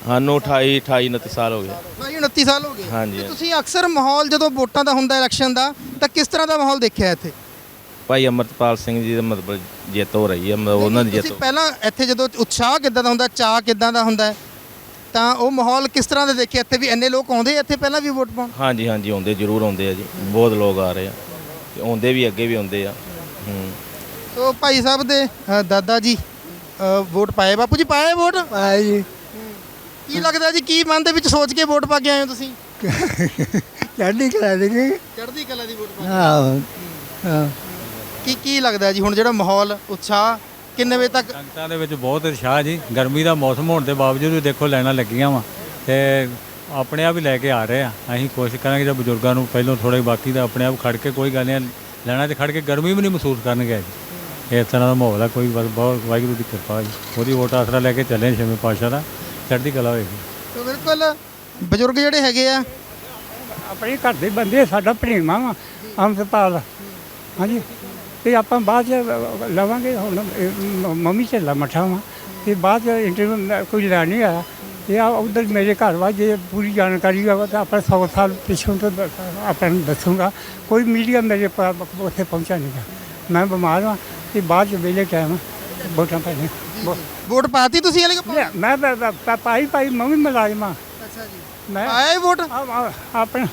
[SPEAKER 17] ਸਾਨੂੰ ਅਠਾਈ ਅਠਾਈ ਉਨੱਤੀ ਸਾਲ ਹੋ ਗਏ
[SPEAKER 1] ਭਾਈ ਉਨੱਤੀ ਸਾਲ ਹੋ ਗਏ
[SPEAKER 17] ਹਾਂਜੀ।
[SPEAKER 1] ਤੇ ਤੁਸੀਂ ਅਕਸਰ ਮਾਹੌਲ ਜਦੋਂ ਵੋਟਾਂ ਦਾ ਹੁੰਦਾ ਇਲੈਕਸ਼ਨ ਦਾ ਤਾਂ ਕਿਸ ਤਰ੍ਹਾਂ ਦਾ ਮਾਹੌਲ ਦੇਖਿਆ ਇੱਥੇ?
[SPEAKER 17] ਭਾਈ ਅਮਰਤਪਾਲ ਸਿੰਘ ਜੀ ਦਾ ਮਤਲਬ ਜਿੱਤ ਹੋ ਰਹੀ ਹੈ ਮਤਲਬ ਉਹਨਾਂ ਦੀ ਜਿੱਤ
[SPEAKER 1] ਤੁਸੀਂ ਪਹਿਲਾਂ ਇੱਥੇ ਜਦੋਂ ਉਤਸ਼ਾਹ ਕਿੱਦਾਂ ਦਾ ਹੁੰਦਾ, ਚਾਅ ਕਿੱਦਾਂ ਦਾ ਹੁੰਦਾ ਹੈ, ਤਾਂ ਉਹ ਮਾਹੌਲ ਕਿਸ ਤਰ੍ਹਾਂ ਦਾ ਦੇਖਿਆ ਇੱਥੇ? ਵੀ ਇੰਨੇ ਲੋਕ ਆਉਂਦੇ ਇੱਥੇ ਪਹਿਲਾਂ ਵੀ ਵੋਟ ਪਾਉਣ?
[SPEAKER 17] ਹਾਂਜੀ ਹਾਂਜੀ ਆਉਂਦੇ ਜ਼ਰੂਰ ਆਉਂਦੇ ਆ ਜੀ, ਬਹੁਤ ਲੋਕ ਆ ਰਹੇ ਆ ਤੇ ਆਉਂਦੇ ਵੀ ਅੱਗੇ ਵੀ ਆਉਂਦੇ ਆ। ਹੂੰ
[SPEAKER 1] ਸੋ ਭਾਈ ਸਾਹਿਬ ਦੇ ਅ, ਦਾਦਾ ਜੀ ਅ, ਵੋਟ ਪਾਏ। ਬਾਪੂ ਜੀ ਪਾਏ ਵੋਟ?
[SPEAKER 8] ਪਾਏ ਜੀ।
[SPEAKER 1] ਕੀ ਲੱਗਦਾ ਜੀ, ਕੀ ਮਨ ਦੇ ਵਿੱਚ ਸੋਚ ਕੇ ਵੋਟ ਪਾ ਕੇ ਆਏ ਹੋ ਤੁਸੀਂ?
[SPEAKER 8] ਚੜ੍ਹਦੀ ਕਲਾ ਦੇ ਜੀ।
[SPEAKER 1] ਚੜ੍ਹਦੀ ਕਲਾ ਦੀ ਵੋਟ ਪਾ ਕੇ?
[SPEAKER 8] ਹਾਂ ਹਾਂ।
[SPEAKER 1] ਕੀ ਕੀ ਲੱਗਦਾ ਜੀ ਹੁਣ ਜਿਹੜਾ ਮਾਹੌਲ ਉਤਸ਼ਾਹ ਕਿੰਨੇ ਵਜੇ ਤੱਕ?
[SPEAKER 7] ਸੰਗਤਾਂ ਦੇ ਵਿੱਚ ਬਹੁਤ ਉਤਸ਼ਾਹ ਜੀ। ਗਰਮੀ ਦਾ ਮੌਸਮ ਹੋਣ ਦੇ ਬਾਵਜੂਦ ਵੀ ਦੇਖੋ ਲਾਈਨਾਂ ਲੱਗੀਆਂ ਵਾ ਤੇ ਆਪਣੇ ਆਪ ਹੀ ਲੈ ਕੇ ਆ ਰਹੇ ਆ। ਅਸੀਂ ਕੋਸ਼ਿਸ਼ ਕਰਾਂਗੇ ਜੇ ਬਜ਼ੁਰਗਾਂ ਨੂੰ ਪਹਿਲਾਂ ਥੋੜੇ, ਬਾਕੀ ਦਾ ਆਪਣੇ ਆਪ ਖੜ ਕੇ ਕੋਈ ਗੱਲ ਨਹੀਂ, ਲੈਣਾ 'ਚ ਖੜ ਕੇ ਗਰਮੀ ਵੀ ਨਹੀਂ ਮਹਿਸੂਸ ਕਰਨਗੇ ਜੀ। ਇਸ ਤਰ੍ਹਾਂ ਦਾ ਮਾਹੌਲ ਆ, ਕੋਈ ਬਸ ਬਹੁਤ ਵਾਹਿਗੁਰੂ ਦੀ ਕਿਰਪਾ ਜੀ। ਉਹਦੀ ਵੋਟ ਆਸਰਾ ਲੈ ਕੇ ਚੱਲੇ ਛੇਵੇਂ ਪਾਤਸ਼ਾਹ ਦਾ, ਚੜ੍ਹਦੀ ਕਲਾ ਹੋਏਗੀ।
[SPEAKER 1] ਤਾਂ ਬਿਲਕੁਲ ਬਜ਼ੁਰਗ ਜਿਹੜੇ ਹੈਗੇ ਆ
[SPEAKER 8] ਆਪਣੇ ਘਰ ਦੇ ਬੰਦੇ, ਸਾਡਾ ਭਣੇਵਾਂ ਵਾ ਅੰਮ੍ਰਿਤਪਾਲ। ਹਾਂਜੀ, ਤੇ ਆਪਾਂ ਬਾਅਦ ਚ ਲਵਾਂਗੇ। ਹੁਣ ਇਹ ਮ- ਮੰਮੀ ਝੱਲਾ ਮੱਠਾ ਵਾ ਤੇ ਬਾਅਦ ਚ ਇੰਟਰਵਿਊ ਕੋਈ ਲੈਣ ਨਹੀਂ ਆਇਆ। ਤੇ ਆ ਉਧਰ ਮੇਰੇ ਘਰ ਵਾ, ਜੇ ਪੂਰੀ ਜਾਣਕਾਰੀ ਹੋਵੇ ਤਾਂ ਆਪਾਂ ਸੌ ਸਾਲ ਪਿੱਛੋਂ ਤੋਂ ਦ- ਆਪਾਂ ਨੂੰ ਦੱਸੂਗਾ। ਕੋਈ ਮੀਡੀਆ ਮੇਰੇ ਪਾ- ਉੱਥੇ ਪਹੁੰਚਾ ਨਹੀਂ ਗਾ। ਮੈਂ ਬਿਮਾਰ ਹਾਂ ਤੇ ਬਾਅਦ ਚ ਵੇਲੇ ਟਾਈਮ ਵੋਟਾਂ ਪੈਣੇ।
[SPEAKER 1] ਵੋਟ ਪਾਤੀ ਤੁਸੀਂ ਹਲੇ?
[SPEAKER 8] ਮੈਂ ਪ- ਪ- ਪ- ਪਾਈ ਪਾਈ ਮੰਮੀ ਮੁਲਾਜ਼ਮ ਹਾਂ।
[SPEAKER 1] ਅੱਛਾ ਜੀ।
[SPEAKER 8] ਮੈਂ
[SPEAKER 1] ਆਏ ਵੋਟ?
[SPEAKER 8] ਆਪਣਾ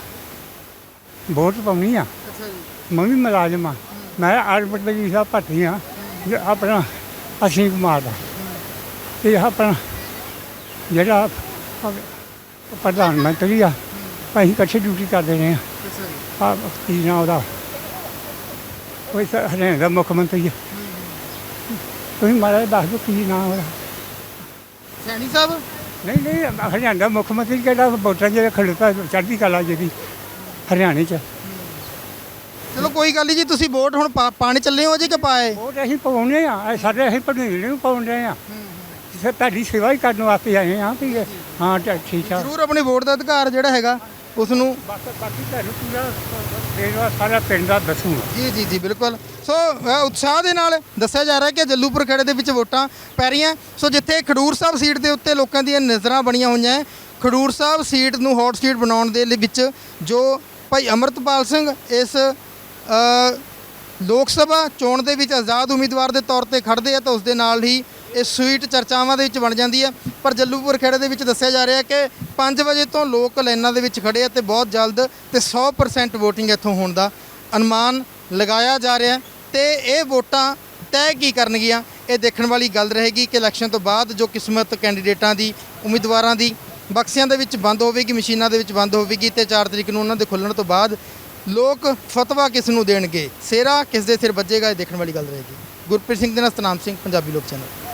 [SPEAKER 8] ਵੋਟ ਪਾਉਣੀ ਆ।
[SPEAKER 1] ਅੱਛਾ ਜੀ।
[SPEAKER 8] ਮੰਮੀ ਮੁਲਾਜ਼ਮ ਆ। ਮੈਂ ਆਰਬਟ ਦੇ ਜੀ ਸਾਹਿਬ ਭੱਟੀ ਆ ਆਪਣਾ ਅਸ਼ੀਮ ਕੁਮਾਰ ਦਾ। ਇਹ ਆਪਣਾ ਜਿਹੜਾ ਪ੍ਰਧਾਨ ਮੰਤਰੀ ਆ, ਅਸੀਂ ਇਕੱਠੇ ਡਿਊਟੀ ਕਰਦੇ ਰਹੇ ਆ। ਆ ਕੀ ਨਾਂ ਉਹਦਾ, ਕੋਈ ਸ- ਹਰਿਆਣਾ ਦਾ ਮੁੱਖ ਮੰਤਰੀ ਆ। ਤੁਸੀਂ ਮਾੜਾ ਜਿਹਾ ਦੱਸ ਦਿਓ ਕੀ ਨਾਂ ਉਹਦਾ।
[SPEAKER 1] ਸੈਣੀ ਸਾਹਿਬ?
[SPEAKER 8] ਨਹੀਂ ਨਹੀਂ, ਹਰਿਆਣਾ ਦਾ ਮੁੱਖ ਮੰਤਰੀ ਕਿਹੜਾ ਵੋਟਾਂ ਜਿਹੜਾ ਖੜੋਤਾ ਚੜ੍ਹਦੀ ਕਲਾ ਜਿਹੜੀ ਹਰਿਆਣੇ 'ਚ।
[SPEAKER 1] ਚਲੋ ਕੋਈ ਗੱਲ ਨਹੀਂ ਜੀ, ਤੁਸੀਂ ਵੋਟ ਹੁਣ ਪਾ- ਪਾਣੀ ਚੱਲੇ ਹੋ ਜੀ ਕਿ ਪਾਏ?
[SPEAKER 8] ਵੋਟ ਅਸੀਂ ਪਾਉਂਦੇ ਆ, ਸਾਡੇ ਅਸੀਂ ਭਣੇਵੇਂ ਨੂੰ ਪਾਉਂਦੇ ਆ। ਸਰ ਤੁਹਾਡੀ ਸੇਵਾ ਹੀ ਕਰਨ ਵਾਸਤੇ ਆਏ ਆ ਵੀ ਹਾਂ ਤਾਂ ਠੀਕ ਆ।
[SPEAKER 1] ਜ਼ਰੂਰ ਆਪਣੇ ਵੋਟ ਦਾ ਅਧਿਕਾਰ ਜਿਹੜਾ ਹੈਗਾ ਉਸ ਨੂੰ
[SPEAKER 8] ਬਾਕੀ ਤੁਹਾਨੂੰ ਪੂਰਾ ਦੇਣਾ ਸਾਰਾ ਪਿੰਡ ਦਾ ਦੱਸੂਗਾ।
[SPEAKER 1] ਜੀ ਜੀ ਜੀ ਬਿਲਕੁਲ। ਸੋ ਅ, ਉਤਸ਼ਾਹ ਦੇ ਨਾਲ ਦੱਸਿਆ ਜਾ ਰਿਹਾ ਕਿ ਜੱਲੂਪੁਰ ਖੇੜੇ ਦੇ ਵਿੱਚ ਵੋਟਾਂ ਪੈ ਰਹੀਆਂ। ਸੋ ਜਿੱਥੇ ਖਡੂਰ ਸਾਹਿਬ ਸੀਟ ਦੇ ਉੱਤੇ ਲੋਕਾਂ ਦੀਆਂ ਨਜ਼ਰਾਂ ਬਣੀਆਂ ਹੋਈਆਂ ਹੈ, ਖਡੂਰ ਸਾਹਿਬ ਸੀਟ ਨੂੰ ਹੌਟ ਸੀਟ ਬਣਾਉਣ ਦੇ ਲਈ ਵਿੱਚ ਜੋ ਭਾਈ ਅਮਰਤਪਾਲ ਸਿੰਘ ਇਸ ਅ, ਲੋਕ ਸਭਾ ਚੋਣ ਦੇ ਵਿੱਚ ਆਜ਼ਾਦ ਉਮੀਦਵਾਰ ਦੇ ਤੌਰ ਤੇ ਖੜਦੇ ਆ ਤਾਂ ਉਸ ਦੇ ਨਾਲ ਹੀ ਇਹ ਸੀਟ ਚਰਚਾਵਾਂ ਦੇ ਵਿੱਚ ਬਣ ਜਾਂਦੀ ਹੈ। ਪਰ ਜੱਲੂਪੁਰ ਖੇੜੇ ਦੇ ਵਿੱਚ ਦੱਸਿਆ ਜਾ ਰਿਹਾ ਕਿ ਪੰਜ ਵਜੇ ਤੋਂ ਲੋਕ ਲਾਈਨਾਂ ਦੇ ਵਿੱਚ ਖੜੇ ਆ ਤੇ ਬਹੁਤ ਜਲਦ ਤੇ ਸੌ ਪਰਸੈਂਟ ਵੋਟਿੰਗ ਇੱਥੋਂ ਹੋਣ ਦਾ ਅਨੁਮਾਨ ਲਗਾਇਆ ਜਾ ਰਿਹਾ ਤੇ ਇਹ ਵੋਟਾਂ ਤੈਅ ਕੀ ਕਰਨਗੀਆਂ, ਇਹ ਦੇਖਣ ਵਾਲੀ ਗੱਲ ਰਹੇਗੀ ਕਿ ਇਲੈਕਸ਼ਨ ਤੋਂ ਬਾਅਦ ਜੋ ਕਿਸਮਤ ਕੈਂਡੀਡੇਟਾਂ ਦੀ, ਉਮੀਦਵਾਰਾਂ ਦੀ ਬਕਸਿਆਂ ਦੇ ਵਿੱਚ ਬੰਦ ਹੋਵੇਗੀ, ਮਸ਼ੀਨਾਂ ਦੇ ਵਿੱਚ ਬੰਦ ਹੋਵੇਗੀ ਤੇ ਚਾਰ ਤਰੀਕ ਨੂੰ ਉਹਨਾਂ ਦੇ ਖੁੱਲ੍ਹਣ ਤੋਂ ਬਾਅਦ ਲੋਕ ਫਤਵਾ ਕਿਸ ਨੂੰ ਦੇਣਗੇ, ਸਿਹਰਾ ਕਿਸ ਦੇ ਸਿਰ ਵੱਜੇਗਾ, ਇਹ ਦੇਖਣ ਵਾਲੀ ਗੱਲ ਰਹੇਗੀ। ਗੁਰਪ੍ਰੀਤ ਸਿੰਘ ਦੇ ਨਾਲ ਸਤਨਾਮ ਸਿੰਘ, ਪੰਜਾਬੀ ਲੋਕ ਚੈਨਲ।